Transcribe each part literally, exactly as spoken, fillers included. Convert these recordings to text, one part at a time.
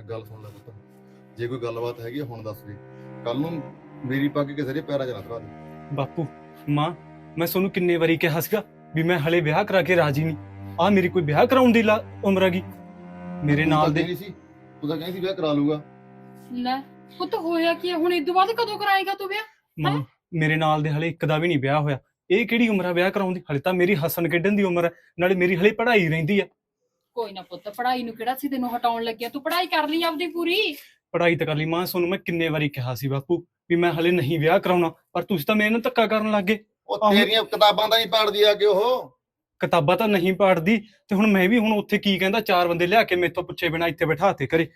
ਗੱਲ ਸੁਣ ਲੈ ਪੁੱਤ, ਜੇ ਕੋਈ ਗੱਲਬਾਤ ਹੈਗੀ ਆ ਹੁਣ ਦੱਸ ਦੇ। ਕੱਲ ਨੂੰ ਮੇਰੀ ਪੱਗ ਕਿਸੇ ਦੇ ਪੈਰਾਂ 'ਚ ਨਾ ਧਰਾ ਦੇ। ਬਾਪੂ ਮਾਂ, ਮੈਂ ਤੁਹਾਨੂੰ ਕਿੰਨੇ ਵਾਰੀ ਕਿਹਾ ਸੀਗਾ ਵੀ ਮੈਂ ਹਲੇ ਵਿਆਹ ਕਰਾ ਕੇ ਰਾਜੀ ਨਹੀਂ। ਆ ਮੇਰੀ ਕੋਈ ਵਿਆਹ ਕਰਾਉਣ ਦੀ ਲਾ- ਉਮਰ ਹੈਗੀ ਮੇਰੇ ਤੂੰ ਨਾਲ ਤਾਂ ਦੇ। ਕਹਿੰਦੀ ਸੀ ਤੂੰ ਤਾਂ ਕਹਿੰਦੀ ਸੀ ਵਿਆਹ ਕਰਾ ਲੂਗਾ। ਲੈ ਪੁੱਤ ਹੋਇਆ ਕੀ ਆ? ਹੁਣ ਇਦੋਂ ਬਾਅਦ ਕਦੋਂ ਕਰਾਏਗਾ ਤੂੰ ਵਿਆਹ? ਮਾਂ, ਮੇਰੇ ਨਾਲ ਦੇ ਹਲੇ ਇੱਕ ਦਾ ਵੀ ਨਹੀਂ ਵਿਆਹ ਹੋਇਆ। ਇਹ ਕਿਹੜੀ ਉਮਰ ਆ ਵਿਆਹ ਕਰਾਉਣ ਦੀ? ਹਲੇ ਤਾਂ ਮੇਰੀ ਹੱਸਣ ਖੇਡਣ ਦੀ ਉਮਰ ਹੈ, ਨਾਲੇ ਮੇਰੀ ਹਲੇ ਪੜ੍ਹਾਈ ਰਹਿੰਦੀ ਆ। ਕੋਈ ਨਾ ਪੁੱਤ, ਪੜ੍ਹਾਈ ਨੂੰ ਕਿਹੜਾ ਸੀ ਤੈਨੂੰ ਹਟਾਉਣ ਲੱਗਿਆ? ਤੂੰ ਪੜ੍ਹਾਈ ਕਰ ਲਈ ਆਪਦੀ ਪੂਰੀ। ਪੜ੍ਹਾਈ ਤਾਂ ਕਰ ਲਈ ਮਾਂ, ਤੁਹਾਨੂੰ ਮੈਂ ਕਿੰਨੇ ਵਾਰੀ ਕਿਹਾ ਸੀ ਬਾਪੂ ਵੀ ਮੈਂ ਹਲੇ ਨਹੀਂ ਵਿਆਹ ਕਰਾਉਣਾ, ਪਰ ਤੁਸੀਂ ਤਾਂ ਮੇਰੇ ਨਾਲ ਧੱਕਾ ਕਰਨ ਲੱਗ ਗਏ। ਉਹ ਆਹੋ। ਤੇਰੀਆਂ ਕਿਤਾਬਾਂ ਤਾਂ ਨਹੀਂ ਪੜ੍ਹਦੀ ਆ ਕਿ ਉਹ। ਕਿਤਾਬਾਂ ਤਾਂ ਨਹੀਂ ਪੜ੍ਹਦੀ, ਤੇ ਹੁਣ ਮੈਂ ਵੀ ਹੁਣ ਉੱਥੇ ਕੀ ਕਹਿੰਦਾ, ਚਾਰ ਬੰਦੇ ਲਿਆ ਕੇ ਮੇਥੋਂ ਪੁੱਛੇ ਬਿਨਾਂ ਇੱਥੇ ਬਿਠਾਤੇ ਘਰੇ।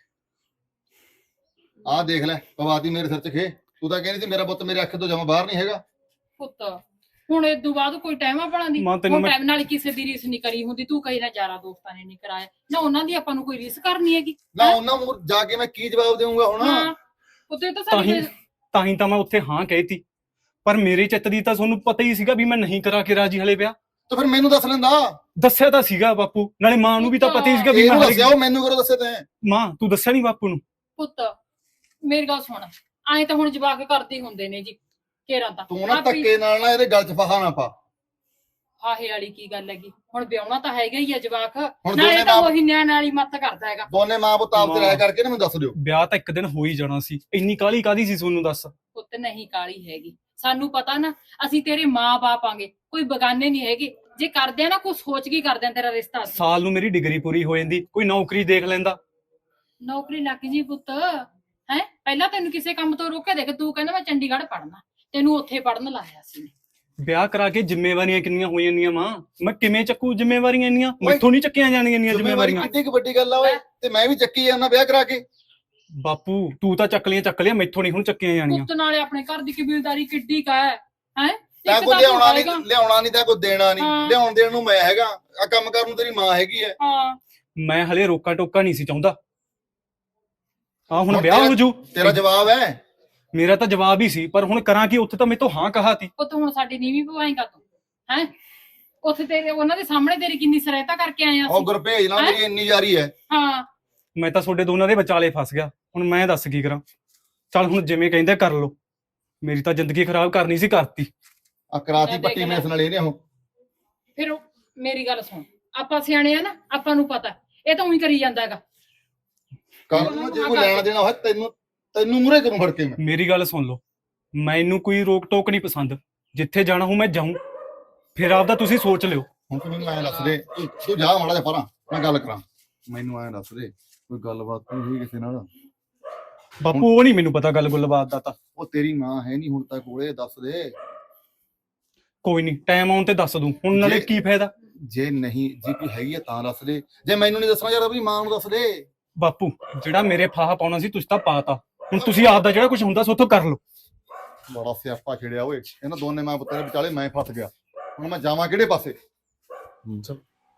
ਆਹ ਦੇਖ ਲੈ, ਪਵਾਤੀ ਮੇਰੇ ਸਿਰ 'ਚ ਖੇ। ਤੂੰ ਤਾਂ ਕਹਿੰਦੀ ਸੀ ਮੇਰਾ ਪੁੱਤ ਮੇਰੇ ਅੱਖ ਤੋਂ ਜਮਾ ਬਾਹਰ ਨਹੀਂ ਹੈਗਾ। ਪੁੱਤ ਹੁਣ ਇਦੋਂ ਬਾਅਦ ਕੋਈ ਟਾਈਮ ਆ ਬਣਾਉਂਦੀ? ਮਾਂ, ਤੈਨੂੰ ਹੁਣ ਮੈਂ- ਟਾਈਮ ਨਾਲ ਕਿਸੇ ਦੀ ਰੀਸ ਨਹੀਂ ਕਰੀ ਹੁੰਦੀ। ਤੂੰ ਕਹੀ ਨਾ ਯਾਰਾਂ ਦੋਸਤਾਂ ਨੇ ਨਹੀਂ ਕਰਾਇਆ ਨਾ, ਉਹਨਾਂ ਦੀ ਆਪਾਂ ਨੂੰ ਕੋਈ ਰੀਸ ਕਰਨੀ ਹੈਗੀ? ਨਾ ਉਹਨਾਂ ਨੂੰ ਜਾ ਕੇ ਮੈਂ ਕੀ ਜਵਾਬ ਦੇਵਾਂਗਾ ਹੁਣ? ਹਾਂ ਪੁੱਤੇ ਤਾਂ ਤਾਂ ਹੀ ਸਾਡੀ ਤਾਂ ਹੀ ਤਾਂ ਮੈਂ ਉੱਥੇ ਹਾਂ ਕਹਿਤੀ, ਪਰ ਮੇਰੇ ਚਿੱਤ ਦੀ ਤਾਂ ਤੁਹਾਨੂੰ ਪਤਾ ਹੀ ਸੀਗਾ ਵੀ ਮੈਂ ਨਹੀਂ ਕਰਾ ਕੇ ਰਾਜੀ ਹਲੇ ਵਿਆਹ। ਤਾਂ ਫਿਰ ਮੈਨੂੰ ਦੱਸ ਲੈਂਦਾ। ਦੱਸਿਆ ਤਾਂ ਸੀਗਾ ਬਾਪੂ, ਨਾਲੇ ਮਾਂ ਨੂੰ ਵੀ ਤਾਂ ਪਤਾ ਹੀ ਸੀਗਾ ਵੀ ਇਹਨੂੰ ਮੈਂ ਦੱਸਿਆ, ਹਲੇ। ਉਹ ਮੈਨੂੰ ਕਰੋ ਦੱਸੇ ਤੈਂ। ਮਾਂ, ਤੂੰ ਦੱਸਿਆ ਨਹੀਂ ਬਾਪੂ ਨੂੰ? ਪੁੱਤ ਮੇਰੀ ਗੱਲ ਸੁਣ, ਐਂ ਤਾਂ ਹੁਣ ਜਵਾਕ ਕਰਦੇ ਹੁੰਦੇ ਨੇ ਜੀ ਕੇਰਾਂ ਤਾਂ। ਤੂੰ ਨਾ ਆਪੀ- ਧੱਕੇ ਨਾਲ ਨਾ ਇਹਦੇ ਗੱਲ 'ਚ ਫਹਾ ਨਾ ਪਾ। ਆਹੇ ਵਾਲੀ ਕੀ ਗੱਲ ਹੈਗੀ? ਹੁਣ ਵਿਆਹਣਾ ਤਾਂ ਹੈਗਾ ਹੀ ਆ ਜਵਾਕ, ਹੁਣ ਨਾਲੇ ਦੋਨੇ ਤਾਂ ਮਾਂ ਉਹੀ ਨਿਆਣ ਵਾਲੀ ਮੱਤ ਕਰਦਾ ਹੈਗਾ। ਦੋਨੇ ਮਾਂ ਪੁੱਤ ਆਪ ਤੇ ਮਾਂ। ਰਹਿ ਕਰਕੇ ਨਾ ਮੈਨੂੰ ਦੱਸ ਦਿਓ। ਵਿਆਹ ਤਾਂ ਇੱਕ ਦਿਨ ਹੋ ਹੀ ਜਾਣਾ ਸੀ, ਇੰਨੀ ਕਾਹਲੀ ਕਾਹਦੀ ਸੀ ਤੁਹਾਨੂੰ ਦੱਸ? ਪੁੱਤ ਨਹੀਂ ਕਾਲੀ ਹੈਗੀ, ਸਾਨੂੰ ਪਤਾ ਨਾ, ਅਸੀਂ ਤੇਰੇ ਮਾਂ-ਬਾਪ ਆਂਗੇ, ਕੋਈ ਬਗਾਨੇ ਨਹੀਂ ਹੈਗੇ। ਜੇ ਕਰਦੇ ਆ ਨਾ ਕੁਝ ਸੋਚ ਕੇ ਕਰਦੇ ਆ ਤੇਰਾ ਰਿਸ਼ਤਾ। ਅਸੀਂ ਸਾਲ ਨੂੰ ਮੇਰੀ ਡਿਗਰੀ ਪੂਰੀ ਹੋ ਜਾਂਦੀ, ਕੋਈ ਨੌਕਰੀ ਦੇਖ ਲੈਂਦਾ। ਨੌਕਰੀ ਲੱਗ ਜੀ ਪੁੱਤ, ਹੈ ਪਹਿਲਾਂ ਤੈਨੂੰ ਕਿਸੇ ਕੰਮ ਤੋਂ ਰੋਕਿਆ? ਦੇਖ ਤੂੰ ਕਹਿੰਦਾ ਮੈਂ ਚੰਡੀਗੜ੍ਹ ਪੜ੍ਹਨਾ, ਤੈਨੂੰ ਉੱਥੇ ਪੜ੍ਹਨ ਲਾਇਆ ਸੀ। ਵਿਆਹ ਕਰਾ ਕੇ ਜ਼ਿੰਮੇਵਾਰੀਆਂ ਕਿੰਨੀਆਂ ਹੋ ਜਾਂਦੀਆਂ ਮਾਂ, ਮੈਂ ਕਿਵੇਂ ਚੱਕੂ ਜ਼ਿੰਮੇਵਾਰੀਆਂ ਇੰਨੀਆਂ? ਮੈਥੋਂ ਨਹੀਂ ਚੱਕੀਆਂ ਜਾਣਗੀਆਂ ਇੰਨੀਆਂ ਜ਼ਿੰਮੇਵਾਰੀ ਜ਼ਿੰਮੇਵਾਰੀਆਂ। ਕਿੱਡੀ ਕੁ ਵੱਡੀ ਗੱਲ ਆ ਓਏ, ਤੇ ਮੈਂ ਵੀ ਚੱਕੀ ਜਾਂਦਾ ਵਿਆਹ ਕਰਾ ਕੇ। ਬਾਪੂ ਤੂੰ ਤਾਂ ਚੱਕ ਲਿਆ ਚੱਕ ਲਿਆ, ਮੈਥੋਂ ਨਹੀਂ ਹੁਣ ਚੱਕੀਆਂ ਜਾਣੀਆਂ। ਪੁੱਤ ਨਾਲੇ ਆਪਣੇ ਘਰ ਦੀ ਕਬੀਲਦਾਰੀ ਕਿੱਡੀ ਕਾ ਹੈ? ਹੈ ਤੈਂ ਕੋਈ ਲਿਆਉਣਾ ਨਹੀਂ, ਲਿਆਉਣਾ ਨਹੀਂ ਤਾਂ ਕੋਈ ਦੇਣਾ ਨਹੀਂ। ਹਾਂ। ਲਿਆਉਣ ਦੇਣ ਨੂੰ ਮੈਂ ਹੈਗਾ, ਆ ਕੰਮ ਕਰਨ ਨੂੰ ਤੇਰੀ ਮਾਂ ਹੈਗੀ ਐ। ਹਾਂ ਮੈਂ ਹਲੇ ਰੋਕਾ ਟੋਕਾ ਨਹੀਂ ਸੀ ਚਾਹੁੰਦਾ। ਆ ਹੁਣ ਹੁਣ ਵਿਆਹ ਹੋ ਜੂ, ਤੇਰਾ ਜਵਾਬ ਹੈ। ਮੇਰਾ ਤਾਂ ਜਵਾਬ ਹੀ ਸੀ, ਪਰ ਹੁਣ ਕਰਾਂ ਕੀ? ਉੱਥੇ ਤਾਂ ਮੈਂ ਤੋਂ ਹਾਂ ਕਹਾ ਤੀ। ਪੁੱਤ ਹੁਣ ਸਾਡੀ ਨੀਵੀਂ ਪਵਾਏਗਾ ਤੂੰ? ਹੈ ਉੱਥੇ ਤੇਰੇ ਉਹਨਾਂ ਦੇ ਸਾਹਮਣੇ ਤੇਰੀ ਕਿੰਨੀ ਸਹਾਇਤਾ ਕਰਕੇ ਆਏ ਆ ਉਹ ਅਸੀਂ। ਗੁਰਭੇਜ ਨਾਲ ਮੇਰੀ ਇੰਨੀ ਯਾਰੀ ਹੈ। ਹਾਂ ਮੈਂ ਤਾਂ ਤੁਹਾਡੇ ਦੋਨਾਂ ਦੇ ਵਿਚਾਲੇ ਫਸ ਗਿਆ, ਹੁਣ ਮੈਂ ਦੱਸ ਕੀ ਕਰਾਂ? ਚੱਲ ਹੁਣ ਜਿਵੇਂ ਕਹਿੰਦੇ ਕਰ ਲਓ, ਮੇਰੀ ਤਾਂ ਜ਼ਿੰਦਗੀ ਖਰਾਬ ਕਰਨੀ ਸੀ, ਕਰਤੀ। ਆ ਕਰਾਤੀ ਮੈਂ ਦੇਖ ਪੱਟੀ ਲੈ। ਮੈਸ ਨਾਲ ਇਹਨੇ ਉਹ। ਫਿਰ ਉਹ- ਮੇਰੀ ਗੱਲ ਸੁਣ, ਆਪਾਂ ਸਿਆਣੇ ਆ ਨਾ, ਆਪਾਂ ਨੂੰ ਪਤਾ ਇਹ ਤਾਂ ਉਹੀ ਕਰੀ ਜਾਂਦਾ ਹੈਗਾ। ਕੱਲ ਨੂੰ ਜੇ ਕੋਈ ਲੈਣਾ ਦੇਣਾ ਹੋਇਆ ਤੈਨੂੰ ਤੈਨੂੰ ਮੂਹਰੇ ਕਰੂੰ ਫੜ ਕੇ ਮੈਂ। ਮੇਰੀ ਗੱਲ ਸੁਣ ਲਓ, ਮੈਨੂੰ ਕੋਈ ਰੋਕ ਟੋਕ ਨਹੀਂ ਪਸੰਦ। ਜਿੱਥੇ ਜਾਣਾ ਹੋ ਮੈਂ ਜਾਊਂ, ਫਿਰ ਆਪਦਾ ਤੁਸੀਂ ਸੋਚ ਲਿਓ। ਹੁਣ ਤੂੰ ਮੈਨੂੰ ਐਂ ਦੱਸ ਦੇ, ਤੂੰ ਤੂੰ ਜਾ ਮਾੜਾ ਜਿਹਾ ਪਰਾਂ, ਮੈਂ ਗੱਲ ਕਰਾਂ। ਮੈਨੂੰ ਐਂ ਦੱਸ ਦੇ, ਕੋਈ ਗੱਲਬਾਤ ਨਹੀਂ ਹੋਈ ਕਿਸੇ ਨਾਲ? ਬਾਪੂ ਉਹ ਨਹੀਂ ਮੈਨੂੰ ਪਤਾ ਗੱਲ ਗੁੱਲਬਾਤ ਦਾ ਤਾਂ। ਉਹ ਤੇਰੀ ਮਾਂ ਹੈ ਨਹੀਂ ਹੁਣ ਤੱਕ ਕੋਲੇ, ਦੱਸ ਦੇ। ਕੋਈ ਨਹੀਂ, ਟਾਈਮ ਆਉਣ ਤੇ ਦੱਸ ਦੂੰ। ਹੁਣ ਨਾਲੇ ਜੇ- ਕੀ ਫਾਇਦਾ? ਜੇ ਨਹੀਂ, ਜੇ ਕੋਈ ਹੈਗੀ ਆ ਤਾਂ ਦੱਸ ਦੇ। ਜੇ ਮੈਨੂੰ ਨਹੀਂ ਦੱਸਣਾ ਯਾਰ, ਆਪਣੀ ਮਾਂ ਨੂੰ ਦੱਸ ਦੇ। ਬਾਪੂ ਜਿਹੜਾ ਮੇਰੇ ਫਾਹਾ ਪਾਉਣਾ ਸੀ ਤੁਸੀਂ ਤਾਂ ਪਾਤਾ, ਹੁਣ ਤੁਸੀਂ ਆਪਦਾ ਜਿਹੜਾ ਕੁਝ ਹੁੰਦਾ ਸੋ ਉੱਥੋਂ ਕਰ ਲਓ। ਬੜਾ ਸਿਆਪਾ ਛਿੜਿਆ ਓਏ, ਇਹਨਾਂ ਦੋਨੇ ਮਾਂ ਪੁੱਤਾਂ ਦੇ ਵਿਚਾਲੇ ਮੈਂ ਫਸ ਗਿਆ। ਹੁਣ ਮੈਂ ਜਾਵਾਂ ਕਿਹੜੇ ਪਾਸੇ? ਚਲ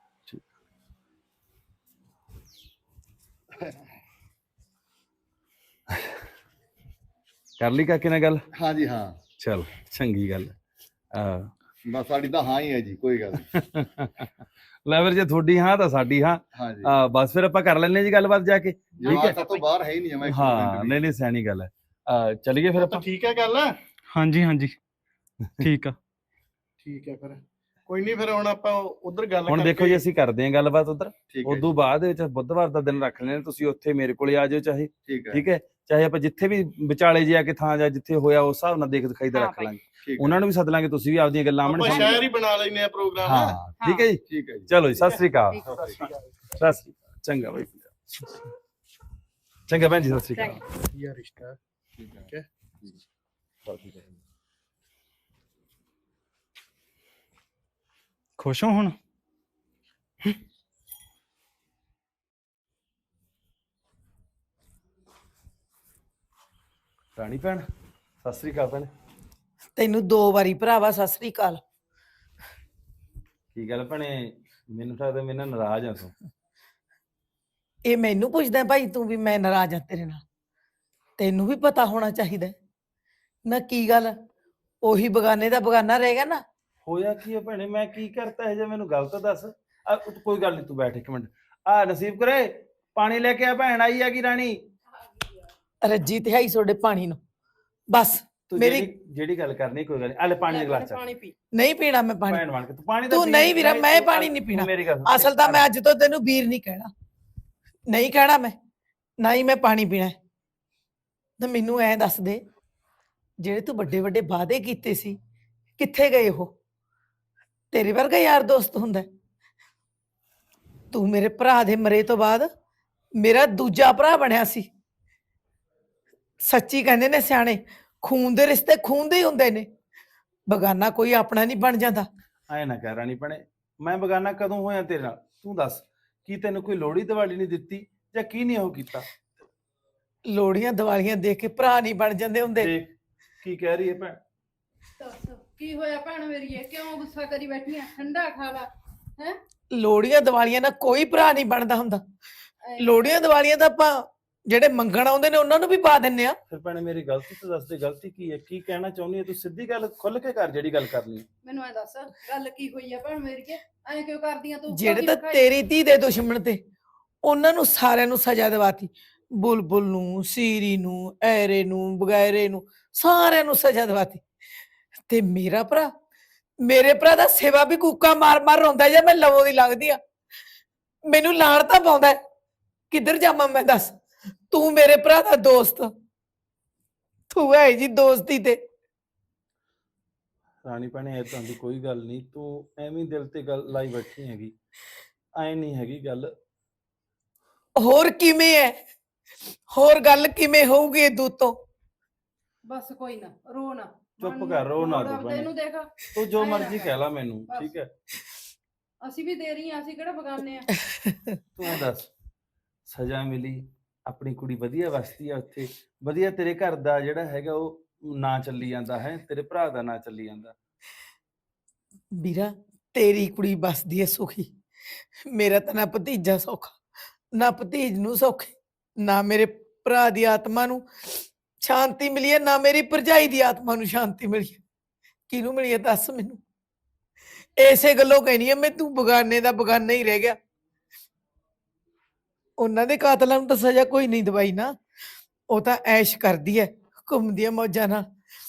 ਕਰ ਲਈ ਕਾਕੇ ਨਾਲ ਗੱਲ? ਹਾਂਜੀ ਹਾਂ, ਚਲ ਚੰਗੀ ਗੱਲ ਆ। ਬਸ ਸਾਡੀ ਤਾਂ ਹਾਂ ਹੀ ਹੈ ਜੀ, ਕੋਈ ਗੱਲ ਨਹੀਂ। ਲੈ ਫਿਰ ਜੇ ਤੁਹਾਡੀ ਹਾਂ ਤਾਂ ਸਾਡੀ ਹਾਂ। ਹਾਂਜੀ ਆ ਬਸ ਫਿਰ ਆਪਾਂ ਕਰ ਲੈਣੇ ਜੀ ਗੱਲਬਾਤ ਜਾ ਕੇ। ਠੀਕ ਜਵਾਬ ਹੈ। ਸਭ ਤੋਂ ਬਾਹਰ ਹੈ ਹੀ ਨਹੀਂ, ਮੈਂ ਇੱਕ ਹਾਂ ਮਿੰਟ ਵੀ। ਨਹੀਂ ਨਹੀਂ ਸਿਆਣੀ ਗੱਲ ਹੈ। ਆ ਚਲੀਏ ਫਿਰ ਆਪਾਂ। ਠੀਕ ਹੈ ਗੱਲ। ਹਾਂਜੀ ਹਾਂਜੀ ਠੀਕ ਆ। ਠੀਕ ਹੈ ਫਿਰ ਕੋਈ ਨਹੀਂ, ਫਿਰ ਹੁਣ ਆਪਾਂ ਉਧਰ ਗੱਲ ਹੁਣ ਦੇਖੋ ਜੀ ਅਸੀਂ ਕਰਦੇ ਹਾਂ ਗੱਲਬਾਤ ਉਧਰ। ਠੀਕ ਹੈ ਉਦੋਂ ਬਾਅਦ ਵਿੱਚ ਬੁੱਧਵਾਰ ਦਾ ਦਿਨ ਰੱਖ ਲੈਣੇ, ਤੁਸੀਂ ਉੱਥੇ ਮੇਰੇ ਕੋਲੇ ਆ ਜਾਓ ਚਾਹੇ। ਠੀਕ ਹੈ ਠੀਕ ਹੈ, ਚਾਹੇ ਆਪਾਂ ਜਿੱਥੇ ਵੀ ਵਿਚਾਲੇ ਜੇ ਆ ਕੇ ਥਾਂ ਜਾਂ ਜਿੱਥੇ ਹੋਇਆ ਉਸ ਹਿਸਾਬ ਨਾਲ ਦੇਖ ਦਿਖਾਈ ਦਾ ਹਾਂ ਰੱਖ ਭਾਈ। ਲਾਂਗੇ। ਠੀਕ ਹੈ ਉਹਨਾਂ ਨੂੰ ਵੀ ਸੱਦ ਲਾਂਗੇ, ਤੁਸੀਂ ਵੀ ਆਪਦੀਆਂ ਗੱਲਾਂ ਆਪਾਂ ਆਮਣ ਸ਼ਹਿਰ ਹੀ ਬਣਾ ਲੈਨੇ ਆ ਪ੍ਰੋਗਰਾਮ। ਹਾਂ ਠੀਕ ਹੈ ਜੀ। ਠੀਕ ਹੈ ਜੀ। ਚਲੋ ਜੀ, ਸਤਿ ਸ੍ਰੀ ਅਕਾਲ। ਸਤਿ ਸ਼੍ਰੀ ਅਕਾਲ। ਸਤਿ ਸ੍ਰੀ ਅਕਾਲ। ਚੰਗਾ ਬਾਈ, ਚੰਗਾ ਭੈਣ ਜੀ, ਸਤਿ ਸ੍ਰੀ ਅਕਾਲ। ਵਧੀਆ ਰਿਸ਼ਤਾ। ਠੀਕ ਹੈ। ਠੀਕ ਹੈ। ਠੀਕ ਹੈ। ਖੁਸ਼ ਹੋ ਹੁਣ? ਰਾਣੀ ਭੈਣ, ਸਤਿ ਸ੍ਰੀ ਅਕਾਲ ਭੈਣ। ਤੈਨੂੰ ਦੋ ਵਾਰੀ ਭਰਾਵਾ ਸਤਿ ਸ੍ਰੀ ਅਕਾਲ। ਕੀ ਗੱਲ ਭੈਣੇ, ਮੈਨੂੰ ਲੱਗਦਾ ਮੇਰੇ ਨਾਲ ਨਾਰਾਜ਼ ਆ ਤੂੰ। ਇਹ ਮੈਨੂੰ ਪੁੱਛਦਾ ਭਾਈ ਤੂੰ ਵੀ ਮੈਂ ਨਾਰਾਜ਼ ਆ ਤੇਰੇ ਨਾਲ? ਤੈਨੂੰ ਵੀ ਪਤਾ ਹੋਣਾ ਚਾਹੀਦਾ ਹੈ। ਨਾ ਕੀ ਗੱਲ, ਉਹੀ ਬਗਾਨੇ ਦਾ ਬਗਾਨਾ ਰਹੇਗਾ ਨਾ। ਹੋਇਆ ਕੀ ਹੈ ਭੈਣੇ, ਮੈਂ ਕੀ ਕਰਤਾ ਹੈ ਜੇ ਮੈਨੂੰ ਗੱਲ ਤਾਂ ਦੱਸ। ਆ, ਕੋਈ ਗੱਲ ਨਹੀਂ, ਤੂੰ ਬੈਠ ਇੱਕ ਮਿੰਟ। ਆ ਨਸੀਬ ਕਰੇ, ਪਾਣੀ ਲੈ ਕੇ ਆ, ਭੈਣ ਆਈ ਹੈਗੀ ਰਾਣੀ। ਰੱਜੀ ਤੇ ਆਈ ਤੁਹਾਡੇ ਪਾਣੀ ਨੂੰ। ਬਸ ਤੂੰ ਮੇਰੀ- ਜਿਹੜੀ ਜਿਹੜੀ ਗੱਲ ਕਰਨੀ ਕੋਈ ਗੱਲ ਨਹੀਂ, ਆਲੇ ਪਾਣੀ ਦਾ ਗਲਾਸ ਚੱਕ। ਪਾਣੀ ਪੀ। ਨਹੀਂ ਪੀਣਾ ਮੈਂ ਪਾਣੀ। ਭੈਣ ਬਣ ਕੇ ਤੂੰ ਪਾਣੀ ਤਾਂ ਤੂੰ ਪੀ। ਨਹੀਂ ਵੀਰਾ, ਮੈਂ ਤੂੰ- ਪਾਣੀ ਨਹੀਂ ਤੂੰ ਪੀਣਾ। ਮੇਰੀ ਗੱਲ ਸੁਣ। ਅਸਲ ਤਾਂ ਮੈਂ ਅੱਜ ਤੋਂ ਤੈਨੂੰ ਵੀਰ ਨਹੀਂ ਕਹਿਣਾ, ਨਹੀਂ ਕਹਿਣਾ ਮੈਂ, ਨਾ ਹੀ ਮੈਂ ਪਾਣੀ ਪੀਣਾ ਹੈ। ਤਾਂ ਮੈਨੂੰ ਐਂ ਦੱਸ ਦੇ, ਜਿਹੜੇ ਤੂੰ ਵੱਡੇ ਵੱਡੇ ਵਾਅਦੇ ਕੀਤੇ ਸੀ ਕਿੱਥੇ ਗਏ ਉਹ? ਤੇਰੇ ਵਰਗਾ ਯਾਰ ਦੋਸਤ ਹੁੰਦਾ ਹੈ? ਤੂੰ ਮੇਰੇ ਭਰਾ ਦੇ ਮਰੇ ਤੋਂ ਬਾਅਦ ਮੇਰਾ ਦੂਜਾ ਭਰਾ ਬਣਿਆ ਸੀ। ਸੱਚੀ ਕਹਿੰਦੇ ਨੇ ਸਿਆਣੇ, ਖੂਨ ਦੇ ਰਿਸ਼ਤੇ ਖੂਨ ਦੇ ਹੀ ਹੁੰਦੇ ਨੇ, ਬਗਾਨਾ ਕੋਈ ਆਪਣਾ ਨਹੀਂ ਬਣ ਜਾਂਦਾ। ਐ ਨਾ ਕਹਿ ਰਾਣੀ ਭੈਣੇ, ਮੈਂ ਬਗਾਨਾ ਕਦੋਂ ਹੋਇਆ ਤੇਰੇ ਨਾਲ? ਤੂੰ ਦੱਸ, ਕੀ ਤੈਨੂੰ ਕੋਈ ਲੋੜੀ ਦਿਵਾਲੀ ਨਹੀਂ ਦਿੱਤੀ ਜਾਂ ਕੀ ਨਹੀਂ ਉਹ ਕੀਤਾ? ਲੋੜੀਆਂ ਦੀਵਾਲੀਆਂ ਦੇਖ ਕੇ ਭਰਾ ਨਹੀਂ ਬਣ ਜਾਂਦੇ ਹੁੰਦੇ। ਦੇਖ ਕੀ ਕਹਿ ਰਹੀ ਹੈ ਭੈਣ। ਦੱਸ ਕੀ ਹੋਇਆ ਭੈਣ ਮੇਰੀਏ, ਕਿਉਂ ਗੁੱਸਾ ਕਰੀ ਬੈਠੀ ਆ? ਠੰਡਾ ਖਾ ਲਾ ਹੈ। ਲੋੜੀਆਂ ਦੀਵਾਲੀਆਂ ਨਾਲ ਕੋਈ ਭਰਾ ਨਹੀਂ ਬਣਦਾ ਹੁੰਦਾ। ਲੋੜੀਆਂ ਦੀਵਾਲੀਆਂ ਤਾਂ ਆਪਾਂ ਜਿਹੜੇ ਮੰਗਣ ਆਉਂਦੇ ਨੇ ਉਹਨਾਂ ਨੂੰ ਵੀ ਪਾ ਦਿੰਨੇ ਆ। ਫਿਰ ਭੈਣੇ ਮੇਰੀ ਗਲਤੀ ਤਾਂ ਦੱਸ ਦੇ, ਗਲਤੀ ਕੀ ਹੈ, ਕੀ ਕਹਿਣਾ ਚਾਹੁੰਦੀ ਹੈ ਤੂੰ? ਸਿੱਧੀ ਗੱਲ ਖੁੱਲ ਕੇ ਕਰ, ਜਿਹੜੀ ਗੱਲ ਕਰਨੀ ਹੈ। ਮੈਨੂੰ ਐ ਦੱਸ ਗੱਲ ਕੀ ਹੋਈ ਆ ਭੈਣ ਮੇਰੀਏ, ਐਂ ਕਿਉਂ ਕਰਦੀਆਂ ਤੂੰ? ਜਿਹੜੇ ਤਾਂ ਤੇਰੀ ਧੀ ਦੇ ਦੁਸ਼ਮਣ ਤੇ, ਉਹਨਾਂ ਨੂੰ ਸਾਰਿਆਂ ਨੂੰ ਸਜ਼ਾ ਦਿਵਾਤੀ। ਬੁਲਬੁਲ ਨੂੰ, ਸੀਰੀ ਨੂੰ, ਐਰੇ ਨੂੰ, ਬਗੈਰੇ ਨੂੰ, ਸਾਰਿਆਂ ਨੂੰ ਸਜ਼ਾ ਦਿਵਾਤੀ। ਤੇ ਮੇਰਾ ਭਰਾ, ਮੇਰੇ ਭਰਾ ਦਾ ਸੇਵਾ ਵੀ ਕੂਕਾ ਮਾਰ ਮਾਰ ਰੋਂਦਾ ਜੇ ਮੈਂ ਲਵੋਂ ਦੀ ਲੰਘਦੀ ਆ। ਮੈਨੂੰ ਲਾਣ ਤਾਂ ਪਾਉਂਦਾ ਹੈ। ਕਿੱਧਰ ਜਾਵਾਂ ਮੈਂ ਦੱਸ? ਤੂੰ ਮੇਰੇ ਭਰਾ ਦਾ ਦੋਸਤ, ਤੂੰ ਹੈ ਜੀ ਦੋਸਤੀ ਤੇ। ਰਾਣੀ ਭੈਣੇ ਏਦਾਂ ਦੀ ਕੋਈ ਗੱਲ ਨਹੀਂ, ਤੂੰ ਐਵੇਂ ਦਿਲ ਤੇ ਗੱਲ ਲਾਈ ਬੈਠੀ ਹੈਗੀ, ਐ ਨਹੀਂ ਹੈਗੀ ਗੱਲ। ਹੋਰ ਕਿਵੇਂ ਹੈ? ਹੋਰ ਗੱਲ ਕਿਵੇਂ ਹੋਊਗੀ ਇਹ ਤੋਂ? ਬਸ ਕੋਈ ਨਾ, ਰੋ ਨਾ, ਚੁੱਪ ਕਰ, ਰੋ ਨਾ ਤੂੰ ਭੈਣੇ। ਤੈਨੂੰ ਦੇਖ, ਤੂੰ ਜੋ ਐਂ ਨਾ ਮਰਜ਼ੀ ਕਰ। ਕਹਿ ਲਾ ਮੈਨੂੰ, ਬਸ। ਠੀਕ ਹੈ? ਅਸੀਂ ਵੀ ਦੇ ਰਹੀ ਆ, ਅਸੀਂ ਕਿਹੜਾ ਬਗਾਨੇ ਆ। ਤੂੰ ਐਂ ਦੱਸ, ਸਜ਼ਾ ਮਿਲੀ, ਆਪਣੀ ਕੁੜੀ ਵਧੀਆ ਵਸਦੀ ਆ ਉੱਥੇ, ਵਧੀਆ ਤੇਰੇ ਘਰ ਦਾ ਜਿਹੜਾ ਹੈਗਾ ਉਹ ਨਾਂ ਚੱਲੀ ਜਾਂਦਾ ਹੈ, ਤੇਰੇ ਭਰਾ ਦਾ ਨਾਂ ਚੱਲੀ ਜਾਂਦਾ। ਵੀਰਾ, ਤੇਰੀ ਕੁੜੀ ਬਸਦੀ ਹੈ ਸੁਖੀ, ਮੇਰਾ ਤਾਂ ਨਾ ਭਤੀਜਾ ਸੌਖਾ, ਨਾ ਭਤੀਜ ਨੂੰ ਸੌਖੇ, ਨਾ ਮੇਰੇ ਭਰਾ ਦੀ ਆਤਮਾ ਨੂੰ ਸ਼ਾਂਤੀ ਮਿਲੀ ਹੈ, ਨਾ ਮੇਰੀ ਭਰਜਾਈ ਦੀ ਆਤਮਾ ਨੂੰ ਸ਼ਾਂਤੀ ਮਿਲੀ ਹੈ। ਕਿਹਨੂੰ ਮਿਲੀ ਹੈ ਦੱਸ ਮੈਨੂੰ? ਐਸੇ ਗੱਲੋਂ ਕਹਿਨੀ ਹੈ ਮੈਂ, ਤੂੰ ਬਗਾਨੇ ਦਾ ਬਗਾਨਾ ਹੀ ਰਹਿ ਗਿਆ। ਉਹਨਾਂ ਦੇ ਕਾਤਲਾਂ ਨੂੰ ਤਾਂ ਸਜ਼ਾ ਕੋਈ ਨਹੀਂ ਦਵਾਈ ਨਾ, ਉਹ ਤਾਂ ਐਸ਼ ਕਰਦੀ ਹੈ, ਘੁੰਮਦੀ ਹੈ ਮੌਜਾਂ ਨਾਲ।